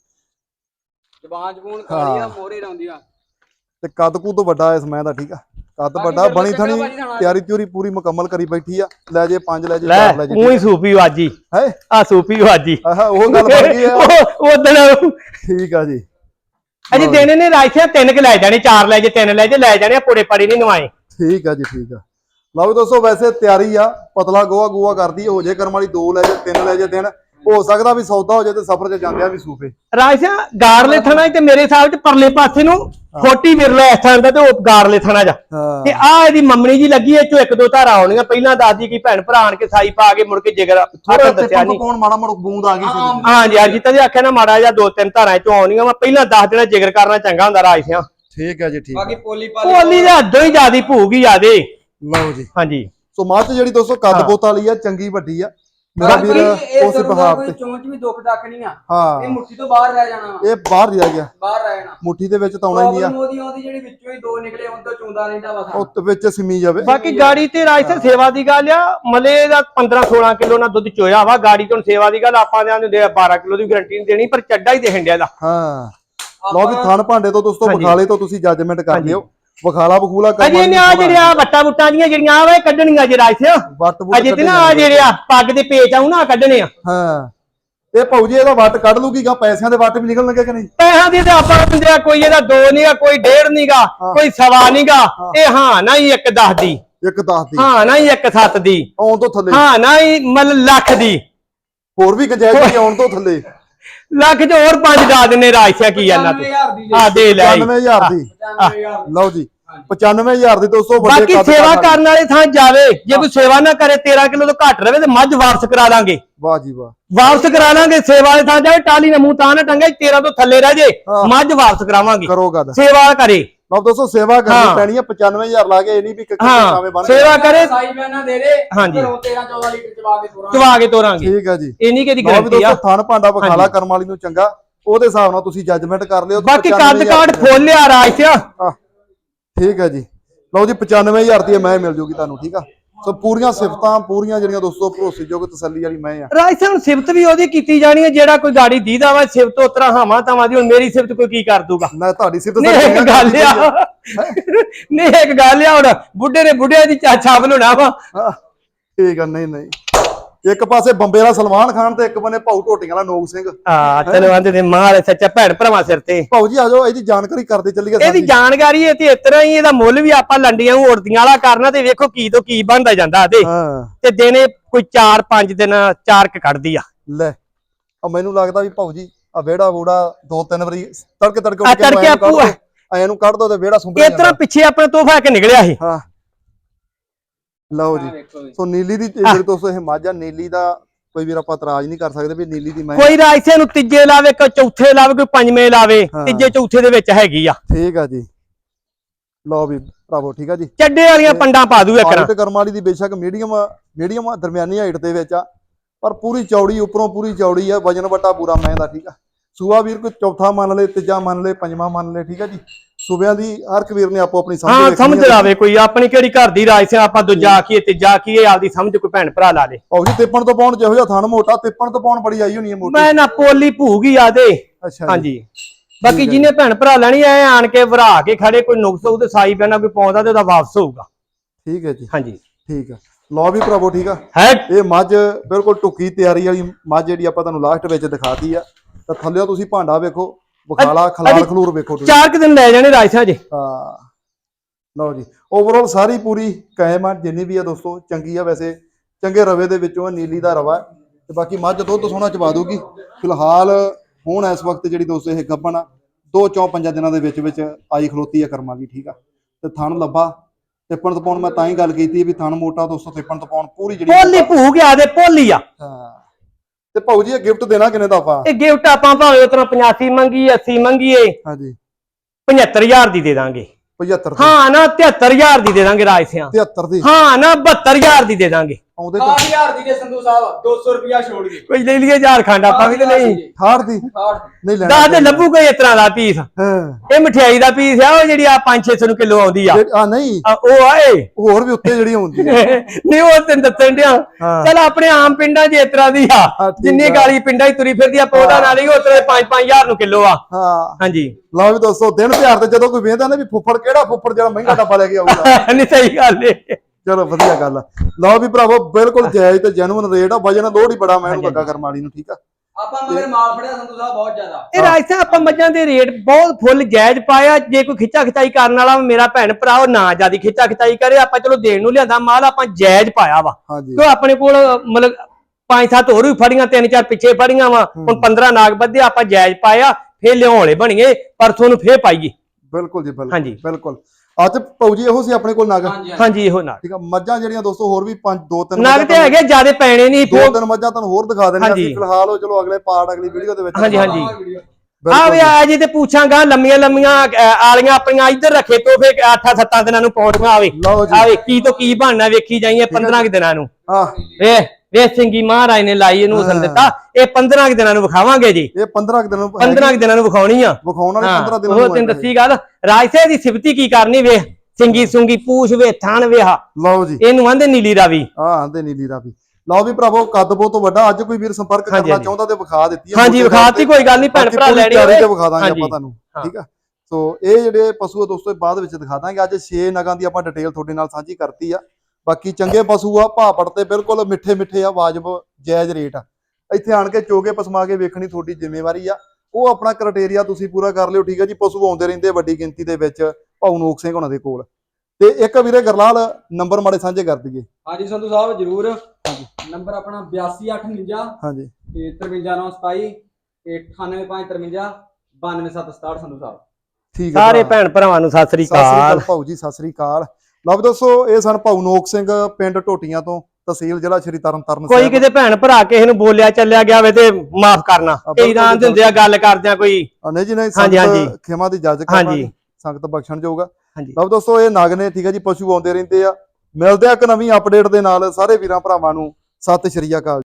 Speaker 3: ਜ਼ਬਾਨ ਜਬੂਨ ਕਾਲੀ ਆ, ਮੋਰੇ ਲਾਉਂਦੀ ਆ
Speaker 1: ਤੇ ਕੱਦ ਕੁੱਦ ਵੱਡਾ ਇਸ ਮੈਂ ਦਾ। ਠੀਕ ਆ। ਕੱਦ ਵੱਡਾ, ਬਣੀ ਥਣੀ ਤਿਆਰੀ ਤਿਉਰੀ ਪੂਰੀ ਮੁਕੰਮਲ ਕਰੀ ਬੈਠੀ ਆ। ਲੈ ਜੇ ਪੰਜ ਲੈ ਜੇ ਚਾਰ ਲੈ ਜੇ।
Speaker 2: ਉਹੀ ਸੂਪੀ ਵਾਜੀ
Speaker 1: ਹੈ
Speaker 2: ਆ ਸੂਪੀ ਵਾਜੀ।
Speaker 1: ਆਹ ਉਹ ਗੱਲ ਬਣ ਗਈ ਆ।
Speaker 2: ਉਦੋਂ
Speaker 1: ਠੀਕ ਆ ਜੀ।
Speaker 2: ਅਜੇ ਦੇਣੇ ਨੇ ਰਾਜਿਆ ਤਿੰਨ ਕਿ ਲੈ ਜਾਣੇ, ਚਾਰ ਲੈ ਜੇ ਤਿੰਨ ਲੈ ਜੇ ਲੈ ਜਾਣੇ, ਪੋੜੇ ਪਾੜੇ ਨਹੀਂ ਨਵਾਏ।
Speaker 1: ਠੀਕ ਆ ਜੀ। ਠੀਕ ਆ। ਲਓ ਦੋਸਤੋ ਵੈਸੇ ਤਿਆਰੀ ਆ, ਪਤਲਾ ਗੋਆ ਗੋਆ ਕਰਦੀ ਹੋ ਜੇ ਕਰਮ ਵਾਲੀ ਦੋ ਲੈ ਜੇ ਤਿੰਨ ਲੈ ਜੇ ਦਿਨ ਹੋ ਸਕਦਾ ਵੀ ਸੌਦਾ ਹੋ ਜੇ ਤੇ ਸਫਰ 'ਚ ਜਾਂਦੇ ਆ ਵੀ ਸੂਫੇ।
Speaker 2: ਰਾਜਿਆ ਗਾਰਲੇ ਥਣਾ ਤੇ ਮੇਰੇ ਹਿਸਾਬ 'ਚ ਪਰਲੇ ਪਾਸੇ ਨੂੰ ਖੋਟੀ ਵਿਰਲਾ ਇਸ ਥਾਂ ਦਾ ਤੇ ਉਹ ਗਾਰਲੇ ਥਣਾ ਜਾ। ਤੇ ਆ ਇਹਦੀ ਮੰਮਣੀ ਜੀ ਲੱਗੀ, ਇਹ ਚੋਂ ਇੱਕ ਦੋ ਧਾਰਾਂ ਆਉਣੀਆਂ। ਪਹਿਲਾਂ ਦੱਸਦੀ ਕਿ ਭੈਣ ਭਰਾ ਆਣ ਕੇ ਸਾਈ ਪਾ ਕੇ ਮੁੜ ਕੇ ਜਿਗਰ
Speaker 1: ਥੋੜਾ ਦੱਸਿਆ ਨਹੀਂ ਕੋਣ ਮਾੜਾ ਮੋੜ ਬੂੰਦ ਆ ਗਈ ਸੀ।
Speaker 2: ਹਾਂਜੀ ਹਾਂਜੀ ਤਾਂ ਜੀ ਆਖਿਆ ਨਾ ਮਾੜਾ ਜਾਂ ਦੋ ਤਿੰਨ ਧਾਰਾਂ ਚੋਂ ਆਉਣੀਆਂ। ਮੈਂ ਪਹਿਲਾਂ ਦੱਸ ਦੇਣਾ ਜਿਗਰ ਕਰਨਾ ਚੰਗਾ ਹੁੰਦਾ ਰਾਜਿਆ।
Speaker 1: ਠੀਕ ਹੈ ਜੀ। ਠੀਕ
Speaker 3: ਬਾਕੀ ਪੋਲੀ ਪਾਲੀ
Speaker 2: ਪੋਲੀ ਦਾ ਹੱਦੋਂ ਹੀ ਜ਼ਿਆਦੀ ਭੂਗੀ ਜ਼ਿਆਦੇ।
Speaker 1: ਲਓ ਜੀ।
Speaker 2: ਹਾਂਜੀ
Speaker 1: ਸੋ ਮੱਝ ਜਿਹੜੀ ਦੋਸਤੋ ਕੱਦ ਬੋਤ ਵਾਲੀ ਆ, ਚੰਗੀ ਵੱਡੀ ਆ। ਮੇਰਾ ਵੀਰ ਉਸ ਬਹਾਵ ਤੇ
Speaker 3: ਚੋਂਚ ਵੀ ਦੁੱਖ ਤੱਕ ਨਹੀਂ ਆ।
Speaker 1: ਹਾਂ
Speaker 3: ਇਹ ਮੁੱਠੀ ਤੋਂ ਬਾਹਰ ਰਹਿ ਜਾਣਾ ਵਾ।
Speaker 1: ਇਹ ਬਾਹਰ ਰਹਿ ਗਿਆ,
Speaker 3: ਬਾਹਰ ਰਹਿ ਜਾਣਾ।
Speaker 1: ਮੁੱਠੀ ਦੇ ਵਿੱਚ ਤਾਂ ਆਉਣਾ ਹੀ ਨਹੀਂ ਆ।
Speaker 3: ਉਹਦੀ ਉਹਦੀ ਜਿਹੜੀ ਵਿੱਚੋਂ ਹੀ ਦੋ ਨਿਕਲੇ ਉਹਨਾਂ ਤੋਂ ਚੁੰਦਾ ਰਹਿੰਦਾ ਵਾ।
Speaker 1: ਉਹ ਵਿੱਚ ਸਿਮੀ ਜਾਵੇ।
Speaker 2: ਬਾਕੀ ਗਾੜੀ ਤੇ ਰਾਜ ਤੇ ਸੇਵਾ ਦੀ ਗੱਲ ਆ। ਮਲੇ ਦਾ ਪੰਦਰਾਂ ਸੋਲਾਂ ਕਿਲੋ ਨਾਲ ਦੁੱਧ ਚੋਇਆ ਵਾ। ਗਾੜੀ ਤੋਂ ਸੇਵਾ ਦੀ ਗੱਲ ਆਪਾਂ ਦੇ ਬਾਰਾਂ ਕਿਲੋ ਦੀ ਗਾਰੰਟੀ ਨਹੀਂ ਦੇਣੀ, ਪਰ ਚੱਡਾ ਹੀ ਦੇਣ ਡਿਆ ਦਾ।
Speaker 1: ਹਾਂ ਲਓ ਵੀ ਥਣ ਭਾਂਡੇ ਤੋਂ ਦੋਸਤੋ ਬਖਾਲੇ ਤੋਂ ਤੁਸੀਂ ਜੱਜਮੈਂਟ ਕਰ ਲਿਓ। ਬਖਾਲਾ ਬਖੂਲਾ
Speaker 2: ਅਜੇ ਨੇ ਆ ਜਿਹੜੇ ਆ ਵੱਟਾ ਬੁੱਟਾਂ ਦੀਆਂ ਜਿਹੜੀਆਂ ਆ ਵੇ ਕੱਢਣੀਆਂ ਜੇ ਰਾਜ ਸਿਆ। ਅਜੇ ਤੇ ਨਾ ਆ ਜਿਹੜੇ ਆ ਪੱਗ ਦੇ ਪੇਚ ਆਉ ਨਾ ਕੱਢਣੇ ਆ।
Speaker 1: ਹਾਂ ਇਹ ਭਾਊ ਜੀ ਇਹਦਾ ਵੱਟ ਕੱਢ ਲੂਗੀ ਗਾ, ਪੈਸਿਆਂ ਦੇ ਵੱਟ ਵੀ ਨਿਕਲਣਗੇ ਕਿ ਨਹੀਂ?
Speaker 2: ਪੈਸਿਆਂ ਦੀ ਤੇ ਆਪਾਂ ਬੰਦੇ ਆ, ਕੋਈ ਇਹਦਾ ਦੋ ਨਹੀਂਗਾ, ਕੋਈ ਡੇਢ ਨਹੀਂਗਾ, ਕੋਈ ਸਵਾ ਨਹੀਂਗਾ। ਇਹ ਹਾਂ ਨਾ ਹੀ ਇੱਕ ਦਸ ਦੀ,
Speaker 1: ਇੱਕ ਦਸ ਦੀ,
Speaker 2: ਹਾਂ ਨਾ ਹੀ ਇੱਕ ਸੱਤ ਦੀ,
Speaker 1: ਆਉਣ ਤੋਂ ਥੱਲੇ,
Speaker 2: ਹਾਂ ਨਾ ਹੀ ਮਤਲਬ ਲੱਖ ਦੀ,
Speaker 1: ਹੋਰ ਵੀ ਗੁੰਜਾਇਸ਼ ਆਉਣ ਤੋਂ ਥੱਲੇ
Speaker 2: ਲੱਖ ਚ ਹੋਰ ਪੰਜ ਡਾ ਦਿੰਨੇ ਰਾਜ ਸਿਆ। ਕੀ ਜਾਂਦਾ ਤੂੰ ਆ ਦੇ ਲੈ
Speaker 1: ਪਚਾਨਵੇਂ ਹਜ਼ਾਰ ਦੀ। ਲਓ ਜੀ ਪਚਾਨਵੇਂ ਹਜ਼ਾਰ ਦੀ ਦੋਸਤੋ ਵੱਡੇ
Speaker 2: ਬਾਕੀ
Speaker 1: ਕੱਦ
Speaker 2: ਸੇਵਾ
Speaker 1: ਕਾਠ
Speaker 2: ਕਰਨ ਵਾਲੇ ਥਾਂ ਜਾਵੇ, ਜੇ ਕੋਈ ਸੇਵਾ ਨਾ ਕਰੇ ਤੇਰਾਂ ਕਿਲੋ ਤੋਂ ਘੱਟ ਰਵੇ ਤੇ ਮੱਝ ਵਾਪਸ ਕਰਾ ਦਾਂਗੇ।
Speaker 1: ਵਾਹ ਜੀ ਵਾਹ,
Speaker 2: ਵਾਪਸ ਕਰਾ ਲਾਂਗੇ। ਸੇਵਾ ਵਾਲੇ ਥਾਂ ਜਾਵੇ, ਟਾਲੀ ਨਾ ਮੂੰਹ ਤਾਂ ਨਾ ਟੰਗੇ, ਤੇਰਾਂ ਤੋਂ ਥੱਲੇ ਰਹਿ ਜੇ
Speaker 1: ਹਾਂ।
Speaker 2: ਮੱਝ ਵਾਪਸ ਕਰਾਵਾਂਗੇ।
Speaker 1: ਕਰੋ ਗੱਲ,
Speaker 2: ਸੇਵਾ ਕਰੇ।
Speaker 1: ਲਓ ਦੋਸਤੋ ਸੇਵਾ ਕਰਨੀ
Speaker 2: ਹਾਂ।
Speaker 1: ਪੈਣੀ ਹੈ। ਪਚਾਨਵੇਂ ਹਜ਼ਾਰ ਲਾ ਕੇ ਇਹ ਨਹੀਂ ਵੀ ਕਿੱਥੇ
Speaker 2: ਹਾਂ
Speaker 1: ਸਾਵੇਂ ਬਣ
Speaker 2: ਸੇਵਾ ਕਰੇ,
Speaker 3: ਸਾਈ ਬਿਆਨਾ ਦੇ ਦੇ
Speaker 2: ਹਾਂਜੀ।
Speaker 3: ਘਰੋਂ ਤੇਰਾਂ ਚੌਦਾਂ ਲੀਟਰ ਚਵਾ ਕੇ ਤੋਰਾਂਗੇ।
Speaker 2: ਚਵਾ ਕੇ ਤੋਰਾਂਗੇ।
Speaker 1: ਠੀਕ ਹੈ ਜੀ।
Speaker 2: ਇੰਨੀ ਕਿਹਦੀ
Speaker 1: ਲਓ ਵੀ
Speaker 2: ਗਰੰਟੀ ਆ।
Speaker 1: ਦੋਸਤੋ ਥਣ ਭਾਂਡਾ ਵਿਖਾਲਾ
Speaker 2: ਹਾਂਜੀ।
Speaker 1: ਕਰਮ ਵਾਲੀ ਨੂੰ ਚੰਗਾ, ਉਹਦੇ ਹਿਸਾਬ ਨਾਲ ਤੁਸੀਂ ਜੱਜਮੈਂਟ ਕਰ ਲਿਓ।
Speaker 2: ਬਾਕੀ ਕੱਦ ਕਾਠ ਫੁੱਲ ਆ ਰਾਜ ਸਿਆ।
Speaker 1: ਠੀਕ ਹੈ ਜੀ। ਲਓ ਜੀ ਪਚਾਨਵੇਂ ਹਜ਼ਾਰ ਦੀ ਮੈਂ ਮਿਲ ਜੂਗੀ ਤੁਹਾਨੂੰ। ਠੀਕ ਆ, ਸੋ ਪੂਰੀਆਂ ਸਿਫਤਾਂ ਪੂਰੀਆਂ ਜਿਹੜੀਆਂ ਦੋਸਤੋ ਭਰੋਸੇਯੋਗ ਤਸੱਲੀ ਵਾਲੀ ਮੈਂ ਆ।
Speaker 2: ਰਾਜ ਸਿਆ ਹੁਣ ਸਿਫਤ ਵੀ ਉਹਦੀ ਕੀਤੀ ਜਾਣੀ ਹੈ ਜਿਹੜਾ ਕੋਈ ਗਾੜੀ ਦੀਦਾ ਵਾ। ਸਿਫਤ ਉਤਰਾ ਹਾਵਾਂ ਤਾਵਾਂ ਦੀ, ਹੁਣ ਮੇਰੀ ਸਿਫਤ ਕੋਈ ਕੀ ਕਰ ਦੂਗਾ?
Speaker 1: ਮੈਂ ਤੁਹਾਡੀ ਸਿਫਤ
Speaker 2: ਨਹੀਂ ਇੱਕ ਗੱਲ ਆ, ਨਹੀਂ ਇੱਕ ਗੱਲ ਆ, ਹੁਣ ਬੁੱਢੇ ਨੇ ਬੁੱਢਿਆਂ ਦੀ ਚਾਚਾ ਬਣਾਉਣਾ ਵਾ।
Speaker 1: ਠੀਕ ਆ, ਨਹੀਂ ਨਹੀਂ, ਇੱਕ ਪਾਸੇ ਬੰਬੇ ਵਾਲਾ ਸਲਮਾਨ ਖਾਨ ਤੇ ਇੱਕ ਬੰਨੇ ਭਾਊ ਢੋਟੀਆਂ ਵਾਲਾ ਨੋਗ ਸਿੰਘ।
Speaker 2: ਆ ਚਲੋ ਆਂਦੇ ਨੇ ਮਾਰ ਸੱਚਾ ਭੈਣ ਭਰਾਵਾਂ ਸਿਰ ਤੇ।
Speaker 1: ਭਾਊ ਜੀ ਆਜੋ ਇਹਦੀ ਜਾਣਕਾਰੀ ਕਰਦੇ ਚੱਲੀਏ।
Speaker 2: ਇਹਦੀ ਜਾਣਕਾਰੀ ਹੈ ਤੇ ਇਸ ਤਰ੍ਹਾਂ ਹੀ ਇਹਦਾ ਮੁੱਲ ਵੀ ਆਪਾਂ ਲੰਡੀਆਂ ਉੜਦੀਆਂ ਵਾਲਾ ਕਰਨਾ ਤੇ ਵੇਖੋ ਕੀ ਤੋਂ ਕੀ ਬਣਦਾ ਜਾਂਦਾ ਤੇ
Speaker 1: ਹਾਂ
Speaker 2: ਤੇ ਦਿਨੇ ਕੋਈ ਚਾਰ ਪੰਜ ਦਿਨ ਚਾਰ ਕ ਕੱਢਦੀ ਆ।
Speaker 1: ਲੈ ਆ ਮੈਨੂੰ ਲੱਗਦਾ ਵੀ ਭਾਊ ਜੀ ਆ ਵਿਹੜਾ ਵੂੜਾ ਦੋ ਤਿੰਨ ਵਾਰੀ ਤੜਕੇ ਤੜਕੇ
Speaker 2: ਆ
Speaker 1: ਉੱਠ ਕੇ
Speaker 2: ਤੜਕੇ
Speaker 1: ਐਂ ਨੂੰ ਕੱਢ
Speaker 2: ਆਪੂ
Speaker 1: ਦਿਓ, ਐਂ ਨੂੰ ਕੱਢ ਦੋ ਤੇ ਵਿਹੜਾ ਸੁੰਭਿਆ
Speaker 2: ਇਸ ਤਰ੍ਹਾਂ ਪਿੱਛੇ ਆਪਣੇ ਤੋਹਫਾ ਕੇ ਨਿਕਲਿਆ ਸੀ।
Speaker 1: ਹਾਂ ਲਓ ਜੀ, ਸੋ ਨੀਲੀ ਦੀ ਜਿਹੜੀ ਦੋਸਤੋ ਇਹ ਮਾਝਾ ਨੀਲੀ ਦਾ ਕੋਈ ਵੀਰ ਆਪਾਂ ਇਤਰਾਜ਼ ਨਹੀਂ ਕਰ ਸਕਦੇ ਵੀ ਨੀਲੀ ਦੀ ਮੈਂ
Speaker 2: ਕੋਈ ਰਾਜਸੇ ਨੂੰ ਤੀਜੇ ਲਾਵੇ, ਕੋਈ ਚੌਥੇ ਲਾਵੇ, ਕੋਈ ਪੰਜਵੇਂ ਲਾਵੇ,
Speaker 1: ਹਾਂ।
Speaker 2: ਤੀਜੇ ਚੌਥੇ ਦੇ ਵਿੱਚ ਹੈਗੀ ਆ।
Speaker 1: ਠੀਕ ਆ ਜੀ। ਲਓ ਵੀ ਭਰਾਵੋ, ਠੀਕ ਆ ਜੀ।
Speaker 2: ਚੱਡੇ ਵਾਲੀਆਂ ਪੰਡਾਂ ਪਾ ਦੂ ਇੱਕ ਨਾ।
Speaker 1: ਹਾਈਟ ਕਰਮ ਵਾਲੀ ਦੀ ਬੇਸ਼ੱਕ ਮੀਡੀਅਮ ਮੀਡੀਅਮ ਦਰਮਿਆਨੀ ਹਾਈਟ ਦੇ ਵਿੱਚ ਆ, ਪਰ ਪੂਰੀ ਚੌੜੀ ਉੱਪਰੋਂ ਪੂਰੀ ਚੌੜੀ ਆ, ਵਜਨ ਵੱਟਾ ਪੂਰਾ ਮੈਂ ਦਾ। ਠੀਕ ਆ, ਸੂਆ ਵੀਰ ਕੋਈ ਚੌਥਾ ਮੰਨ ਲਏ, ਤੀਜਾ ਮੰਨ ਲਏ, ਪੰਜਵਾਂ ਮੰਨ ਲਏ। ਠੀਕ ਆ ਜੀ, ਸੂਬਿਆਂ ਦੀ ਹਰ ਇੱਕ ਵੀਰ ਨੇ ਆਪੋ ਆਪਣੀ ਸਮਝ
Speaker 2: ਹਾਂ
Speaker 1: ਵੇਖਣੀ
Speaker 2: ਸਮਝ
Speaker 1: ਆ।
Speaker 2: ਲਾਵੇ ਕੋਈ ਆਪਣੀ ਕਿਹੜੀ ਘਰ ਦੀ ਰਾਜਸੇ, ਆਪਾਂ ਦੂਜਾ ਆਖੀਏ ਤੀਜਾ ਆਖੀਏ, ਆਪਦੀ ਸਮਝ ਕੋਈ ਭੈਣ ਭਰਾ ਲਾ ਲੇ।
Speaker 1: ਭਾਊ ਜੀ ਤਿੱਪਣ ਤੋਂ ਪਾਉਣ ਜਿਹੋ ਜਿਹਾ ਥਣ ਮੋਟਾ, ਤਿੱਪਣ ਤੋਂ ਪਾਉਣ ਬੜੀ ਆਈ ਹੋਣੀ ਹੈ ਮੋਟੀ।
Speaker 2: ਮੈਂ ਨਾ ਪੋਲੀ ਭੂਗੀ ਆ ਦੇ।
Speaker 1: ਅੱਛਾ
Speaker 2: ਹਾਂਜੀ, ਬਾਕੀ ਜਿਹਨੇ ਭੈਣ ਭਰਾ ਲੈਣੀ ਐ ਆਣ ਕੇ ਵਰਾ ਕੇ ਖੜੇ, ਕੋਈ ਨੁਕਸ ਹੋਊ ਤੇ ਸਾਈ ਪੈਣਾ ਕੋਈ ਪਾਉਂਦਾ ਤੇ ਉਹਦਾ ਵਾਪਸ ਹੋਊਗਾ।
Speaker 1: ਠੀਕ ਹੈ ਜੀ।
Speaker 2: ਹਾਂਜੀ
Speaker 1: ਠੀਕ ਆ, ਲਓ ਵੀ ਭਰਾਵੋ, ਠੀਕ ਆ।
Speaker 2: ਹੈ
Speaker 1: ਇਹ ਮੱਝ ਬਿਲਕੁਲ ਟੁੱਕੀ ਤਿਆਰੀ ਵਾਲੀ ਮੱਝ ਜਿਹੜੀ ਆਪਾਂ ਤੁਹਾਨੂੰ ਲਾਸਟ ਵਿੱਚ ਦਿਖਾਤੀ ਆ। ਤਾਂ ਥੱਲੇ ਤੁਸੀਂ ਭਾਂਡਾ ਵੇਖੋ, ਵਿਖਾਲਾ ਖਲਾਲ ਖਲੂਰ ਵੇਖੋ ਤੁਸੀਂ।
Speaker 2: ਚਾਰ ਕੁ ਦਿਨ ਲੈ ਜਾਣੇ ਰਾਜਸਾ ਜੀ।
Speaker 1: ਹਾਂ ਲਓ ਜੀ, ਓਵਰਆਲ ਸਾਰੀ ਪੂਰੀ ਕਾਇਮ ਆ, ਜਿੰਨੀ ਵੀ ਆ ਦੋਸਤੋ ਚੰਗੀ ਆ। ਵੈਸੇ ਚੰਗੇ ਰਵੇ ਦੇ ਵਿੱਚੋਂ ਨੀਲੀ ਦਾ ਰਵਾ ਤੇ ਬਾਕੀ ਮੱਝ ਦੁੱਧ ਸੋਹਣਾ ਚਵਾ ਦੂਗੀ। ਫਿਲਹਾਲ ਹੁਣ ਇਸ ਵਕਤ ਜਿਹੜੀ ਦੋਸਤੋ ਇਹ ਗੱਭਣ ਆ, ਦੋ ਚੌਂ ਪੰਜਾਂ ਦਿਨਾਂ ਦੇ ਵਿੱਚ ਵਿੱਚ ਆਈ ਖਲੋਤੀ ਆ ਕਰਮਾਂ ਦੀ। ਠੀਕ ਆ, ਤੇ ਥਣ ਲੱਭਾ ਤਿੱਪਣ ਤੋਂ ਪਾਉਣ ਮੈਂ ਤਾਂ ਹੀ ਗੱਲ ਕੀਤੀ ਵੀ ਥਣ ਮੋਟਾ ਦੋਸਤੋ ਤਿੱਪਣ ਤੋਂ ਪਾਉਣ ਪੂਰੀ ਜਿਹੜੀ
Speaker 2: ਪੋਲੀ ਭੂਗ ਆ ਦੇ ਪੋਲੀ ਆ।
Speaker 1: ਹਾਂ, ਤੇ ਭਾਊ ਜੀ ਇਹ ਗਿਫਟ ਦੇਣਾ ਕਿੰਨੇ ਦਾ ਆਪਾਂ?
Speaker 2: ਇਹ ਗਿਫਟ ਆਪਾਂ ਭਾਵੇਂ ਉਤਰਾ ਪਚਾਸੀ ਮੰਗੀ ਅੱਸੀ ਮੰਗੀਏ,
Speaker 1: ਹਾਂਜੀ
Speaker 2: ਪਝੱਤਰ ਹਜ਼ਾਰ ਦੀ ਦੇ ਦਾਂਗੇ।
Speaker 1: ਪਝੱਤਰ ਦੀ?
Speaker 2: ਹਾਂ ਨਾ ਤਿਹੱਤਰ ਹਜ਼ਾਰ ਦੀ ਦੇ ਦਾਂਗੇ ਰਾਜਸਿਆਂ।
Speaker 1: ਤਿਹੱਤਰ ਦੀ?
Speaker 2: ਹਾਂ ਨਾ ਬਹੱਤਰ ਹਜ਼ਾਰ ਦੀ ਦੇ ਦਾਂਗੇ।
Speaker 1: ਆਉਂਦੇ
Speaker 3: ਸੱਠ ਹਜ਼ਾਰ ਦੀ ਜੇ ਸੰਧੂ ਸਾਹਿਬ ਦੋ ਸੌ ਰੁਪਿਆ ਛੋੜ ਗਏ।
Speaker 2: ਕੋਈ ਲੈ ਲਈਏ ਝਾਰਖੰਡ ਆਪਾਂ ਵੀ ਤੇ ਨਹੀਂ।
Speaker 1: ਅਠਾਹਠ ਦੀ ਨਹੀਂ ਲੈਣਾ?
Speaker 2: ਦੱਸ ਦੇ ਲੱਭੂ ਕੋਈ ਇਸ ਤਰ੍ਹਾਂ ਦਾ ਪੀਸ।
Speaker 1: ਹਾਂ
Speaker 2: ਇਹ ਮਠਿਆਈ ਦਾ ਪੀਸ ਆ, ਉਹ ਜਿਹੜੀ ਆ ਪੰਜ ਛੇ ਸੌ ਨੂੰ ਕਿਲੋ ਆਉਂਦੀ ਆ।
Speaker 1: ਆ ਨਹੀਂ
Speaker 2: ਆ, ਉਹ ਆਏ
Speaker 1: ਹੋਰ ਵੀ ਉੱਤੇ ਜਿਹੜੀ ਹੁੰਦੀ ਆ।
Speaker 2: ਨਹੀਂ ਉਹ ਤੈਨੂੰ ਦੱਸਣ ਡਿਆ।
Speaker 1: ਹਾਂ।
Speaker 2: ਚਲ ਆਪਣੇ ਆਮ ਪਿੰਡਾਂ 'ਚ ਇਸ ਤਰ੍ਹਾਂ ਦੀ ਆ,
Speaker 1: ਹਾਂ, ਠੀਕ
Speaker 2: ਜਿੰਨੀ
Speaker 1: ਆ।
Speaker 2: ਗਾਲੀ ਪਿੰਡਾਂ 'ਚ ਤੁਰੀ ਫਿਰਦੀ ਆ ਪੌਦਾ ਨਾਲ ਹੀ ਉਸ ਤਰ੍ਹਾਂ ਪੰਜ ਪੰਜ ਹਜ਼ਾਰ ਨੂੰ ਕਿਲੋ ਆ।
Speaker 1: ਹਾਂ
Speaker 2: ਹਾਂਜੀ
Speaker 1: ਲਓ ਵੀ ਦੋਸਤੋ, ਦਿਨ ਤਿਉਹਾਰ ਤੇ ਜਦੋਂ ਕੋਈ ਵੇਖਦਾ ਨਾ ਵੀ ਫੁੱਫੜ ਕਿਹੜਾ ਫੁੱਫੜ ਜਿਹੜਾ ਮਹਿੰਗਾ ਡੱਬਾ ਲੈ ਕੇ ਆਊਗਾ।
Speaker 2: ਨਹੀਂ ਸਹੀ ਗੱਲ ਏ।
Speaker 1: ਚਲੋ ਵਧੀਆ ਗੱਲ ਆ। ਲਓ ਵੀ ਭਰਾਵੋ ਬਿਲਕੁਲ ਜਾਇਜ਼ ਤੇ ਜੈਨੂਇਨ ਰੇਟ ਆ। ਵਜਨ ਲੋੜ ਹੀ ਬੜਾ ਮੈਨੂੰ ਲੱਗਾ ਕਰਮਾਲੀ ਨੂੰ। ਠੀਕ ਆ,
Speaker 3: ਆਪਾਂ ਮਗਰ ਮਾਲ ਫੜਿਆ ਸੰਧੂ ਸਾਹਿਬ ਬਹੁਤ ਜ਼ਿਆਦਾ।
Speaker 2: ਇਹ ਰਾਜਸਥਾਨ ਆਪਾਂ ਮੱਝਾਂ ਦੇ ਰੇਟ ਬਹੁਤ ਫੁੱਲ ਜਾਇਜ਼ ਪਾਇਆ। ਜੇ ਕੋਈ ਖਿੱਚਾ ਖਿਚਾਈ ਕਰਨ ਵਾਲਾ ਮੇਰਾ ਭੈਣ ਭਰਾ ਉਹ ਨਾ ਜਿਆਦੀ ਖਿੱਚਾ ਖਿਚਾਈ ਕਰੇ। ਆਪਾਂ ਚਲੋ ਦੇਣ ਨੂੰ ਲਿਆਂਦਾ ਮਾਲ, ਆਪਾਂ ਜਾਇਜ਼ ਪਾਇਆ ਵਾ।
Speaker 1: ਹਾਂਜੀ
Speaker 2: ਕਿਉਂ ਆਪਣੇ ਕੋਲ ਮਤਲਬ ਪੰਜ ਸੱਤ ਹੋਰ ਵੀ ਫੜੀਆਂ, ਤਿੰਨ ਚਾਰ ਪਿੱਛੇ ਫੜੀਆਂ ਵਾ, ਹੁਣ ਪੰਦਰਾਂ ਨਾਗ ਬੱਧੇ ਆਪਾਂ ਜਾਇਜ਼ ਪਾਇਆ। ਫੇਰ ਲਿਆਉਣੇ ਬਣੀਏ ਪਰਸੋਂ ਨੂੰ ਫੇਰ ਪਾਈਏ।
Speaker 1: ਬਿਲਕੁਲ ਜੀ ਬਿਲਕੁਲ।
Speaker 2: ਹਾਂਜੀ
Speaker 1: ਬਿਲਕੁਲ ਅੱਜ ਭਾਊ ਜੀ ਇਹੋ ਸੀ ਆਪਣੇ ਕੋਲ ਨਗ।
Speaker 2: ਹਾਂਜੀ ਇਹੋ ਨਾਗ।
Speaker 1: ਠੀਕ ਆ, ਮੱਝਾਂ ਜਿਹੜੀਆਂ ਦੋਸਤੋ ਹੋਰ ਵੀ ਪੰਜ ਦੋ ਤਿੰਨ
Speaker 2: ਨਾਗ ਤੇ ਹੈਗੇ ਜਿਆਦੇ ਪੈਣੇ ਨਹੀਂ।
Speaker 1: ਦੋ ਤਿੰਨ ਮੱਝਾਂ ਤੁਹਾਨੂੰ ਹੋਰ ਦਿਖਾ ਦੇਣੀਆਂ
Speaker 2: ਹਾਂਜੀ।
Speaker 1: ਅਸੀਂ ਫਿਲਹਾਲ ਉਹ ਚਲੋ ਅਗਲੇ ਪਾਰਟ ਅਗਲੀ ਵੀਡੀਓ ਦੇ ਵਿੱਚ
Speaker 2: ਹਾਂਜੀ ਹਾਂਜੀ
Speaker 1: ਬਿਲਕੁਲ
Speaker 2: ਆ ਵੀ
Speaker 1: ਜੀ।
Speaker 2: ਆ ਜੀ ਤੇ ਪੁੱਛਾਂਗਾ ਲੰਮੀਆਂ ਲੰਮੀਆਂ ਆਲੀਆਂ ਆਪਣੀਆਂ ਇੱਧਰ ਰੱਖੇ ਤੋਂ ਫੇਰ ਅੱਠਾਂ ਸੱਤਾਂ ਦਿਨਾਂ ਨੂੰ ਪਹੁੰਚਣਾ ਆਵੇ।
Speaker 1: ਲਓ ਜੀ।
Speaker 2: ਆਵੇ ਕੀ ਤੋਂ ਕੀ ਬਣਨਾ ਵੇਖੀ ਜਾਈਏ ਪੰਦਰਾਂ ਕੁ ਦਿਨਾਂ ਨੂੰ।
Speaker 1: ਹਾਂ
Speaker 2: ਵੇ ਵੇ ਸਿੰਘੀ ਮਹਾਰਾਜ ਨੇ ਲਾਈ ਇਹਨੂੰ ਹੁਸਨ ਦਿੱਤਾ। ਇਹ ਪੰਦਰਾਂ ਕੁ ਦਿਨਾਂ ਨੂੰ ਵਿਖਾਵਾਂਗੇ ਜੀ।
Speaker 1: ਇਹ ਪੰਦਰਾਂ ਦਿਨ
Speaker 2: ਪੰਦਰਾਂ ਕੁ ਦਿਨਾਂ ਨੂੰ ਵਿਖਾਉਣੀ ਆ।
Speaker 1: ਵਿਖਾਉਣ ਵਾਲੇ ਪੰਦਰਾਂ ਦਿਨਾਂ
Speaker 2: ਉਹ ਤੈਨੂੰ ਦੱਸੀ ਗੱਲ ਰਾਜਸੇ ਦੀ ਸਿਫਤੀ ਕੀ ਕਰਨੀ ਵੇ। ਸਿੰਗੀ ਸੁੰਗੀ ਪੂਛ ਵੇ ਥਣ ਵੇਹਾ।
Speaker 1: ਲਓ ਜੀ
Speaker 2: ਇਹਨੂੰ ਆਂਦੇ ਨੀਲੀ ਰਾਵੀ।
Speaker 1: ਹਾਂ ਆਂਦੇ ਨੀਲੀ ਰਾਵੀ। ਲਓ ਵੀ ਭਰਾਵੋ ਕੱਦ ਬਹੁਤ ਵੱਡਾ। ਅੱਜ ਕੋਈ ਵੀਰ ਸੰਪਰਕ ਕਰਨਾ ਚਾਹੁੰਦਾ ਤੇ ਵਿਖਾ ਦਿੱਤੀ ਹੈ।
Speaker 2: ਹਾਂਜੀ ਵਿਖਾਤੀ, ਕੋਈ ਗੱਲ ਨਹੀਂ ਭੈਣ ਭਰਾ ਲੈਣੀ ਹੋਵੇ
Speaker 1: ਤੇ ਵਿਖਾ ਦਾਂਗੇ ਆਪਾਂ ਤੁਹਾਨੂੰ। ਠੀਕ ਆ, ਸੋ ਇਹ ਜਿਹੜੇ ਪਸ਼ੂ ਆ ਦੋਸਤੋ ਬਾਅਦ ਵਿੱਚ ਦਿਖਾ ਦਾਂਗੇ। ਅੱਜ ਛੇ ਨਗਾਂ ਦੀ ਆਪਾਂ ਡਿਟੇਲ ਤੁਹਾਡੇ ਨਾਲ ਸਾਂਝੀ ਕਰਤੀ ਆ। ਬਾਕੀ ਚੰਗੇ ਪਸ਼ੂ ਆ, ਭਾਪੜ ਤੇ ਬਿਲਕੁਲ ਮਿੱਠੇ ਮਿੱਠੇ ਆ, ਵਾਜਬ ਜਾਇਜ਼ ਰੇਟ ਆ। ਇੱਥੇ ਆਣ ਕੇ ਚੋਗੇ ਪਸਮਾ ਕੇ ਵੇਖਣੀ ਤੁਹਾਡੀ ਜ਼ਿੰਮੇਵਾਰੀ ਆ। ਉਹ ਆਪਣਾ ਕ੍ਰਾਈਟੇਰੀਆ ਤੁਸੀਂ ਪੂਰਾ ਕਰ ਲਿਓ। ਠੀਕ ਆ ਜੀ, ਪਸ਼ੂ ਆਉਂਦੇ ਰਹਿੰਦੇ ਵੱਡੀ ਗਿਣਤੀ ਦੇ ਵਿੱਚ ਭਾਊ ਨੋਕ ਸਿੰਘ ਹੋਣਾ ਦੇ ਕੋਲ। ਤੇ ਇੱਕ ਵੀਰੇ ਗਰਲਾਲ ਨੰਬਰ ਮਾੜੇ ਸਾਂਝੇ ਕਰ ਦਈਏ।
Speaker 3: ਹਾਂਜੀ ਸੰਧੂ ਸਾਹਿਬ ਜਰੂਰ। ਨੰਬਰ ਆਪਣਾ ਬਿਆਸੀ ਅੱਠ ਉਣੰਜਾ
Speaker 1: ਹਾਂਜੀ
Speaker 3: ਤੇ ਤਰਵੰਜਾ ਨੌ ਸਤਾਈ ਤੇ ਅਠਾਨਵੇਂ ਪੰਜ ਤਰਵੰਜਾ ਬਾਨਵੇਂ ਸੱਤ ਸਤਾਹਠ ਸੰਧੂ ਸਾਹਿਬ।
Speaker 1: ਠੀਕ ਹੈ
Speaker 2: ਸਾਰੇ
Speaker 1: ਭਰਾ।
Speaker 2: ਭੈਣ ਭਰਾਵਾਂ ਨੂੰ ਸਤਿ ਸ੍ਰੀ
Speaker 1: ਸਤਿ ਸ੍ਰੀ
Speaker 2: ਅਕਾਲ।
Speaker 1: ਅਕਾਲ ਭਾਊ ਜੀ, ਸਤਿ ਸ੍ਰੀ ਅਕਾਲ। ਲਓ ਵੀ ਦੋਸਤੋ, ਇਹ ਸਨ ਭਾਊ ਨੋਕ ਸਿੰਘ, ਪਿੰਡ ਟੋਟੀਆਂ ਤੋਂ, ਤਹਿਸੀਲ ਜ਼ਿਲ੍ਹਾ ਸ਼੍ਰੀ ਤਰਨਤਾਰਨ
Speaker 2: ਕੋਈ
Speaker 1: ਸਾਹਿਬ।
Speaker 2: ਕਿਤੇ ਭੈਣ ਭਰਾ ਕਿਸੇ ਨੂੰ ਬੋਲਿਆ ਚੱਲਿਆ ਗਿਆ ਹੋਵੇ ਤੇ ਮਾਫ ਕਰਨਾ,
Speaker 1: ਬਿਲਕੁਲ
Speaker 2: ਕਈ ਰਾਂ
Speaker 1: ਜੀ,
Speaker 2: ਦਿੰਦੇ ਆ ਗੱਲ ਕਰਦਿਆਂ ਕੋਈ।
Speaker 1: ਆ ਨਹੀਂ ਜੀ ਨਹੀਂ,
Speaker 2: ਹਾਂਜੀ, ਹਾਂਜੀ।
Speaker 1: ਸੰਗਤ ਖਿਮਾ ਦੀ ਜੱਜ
Speaker 2: ਹਾਂਜੀ।
Speaker 1: ਕਰਨਾ, ਸੰਗਤ ਬਖਸ਼ਣ ਜੋਗਾ।
Speaker 2: ਹਾਂਜੀ।
Speaker 1: ਲਓ ਦੋਸਤੋ, ਇਹ ਨਗ ਨੇ, ਠੀਕ ਹੈ ਜੀ, ਪਸ਼ੂ ਆਉਂਦੇ ਰਹਿੰਦੇ ਆ। ਮਿਲਦੇ ਆ ਇੱਕ ਨਵੀਂ ਅਪਡੇਟ ਦੇ ਨਾਲ। ਸਾਰੇ ਵੀਰਾਂ ਭਰਾਵਾਂ ਨੂੰ ਸਤਿ ਸ਼੍ਰੀ ਅਕਾਲ।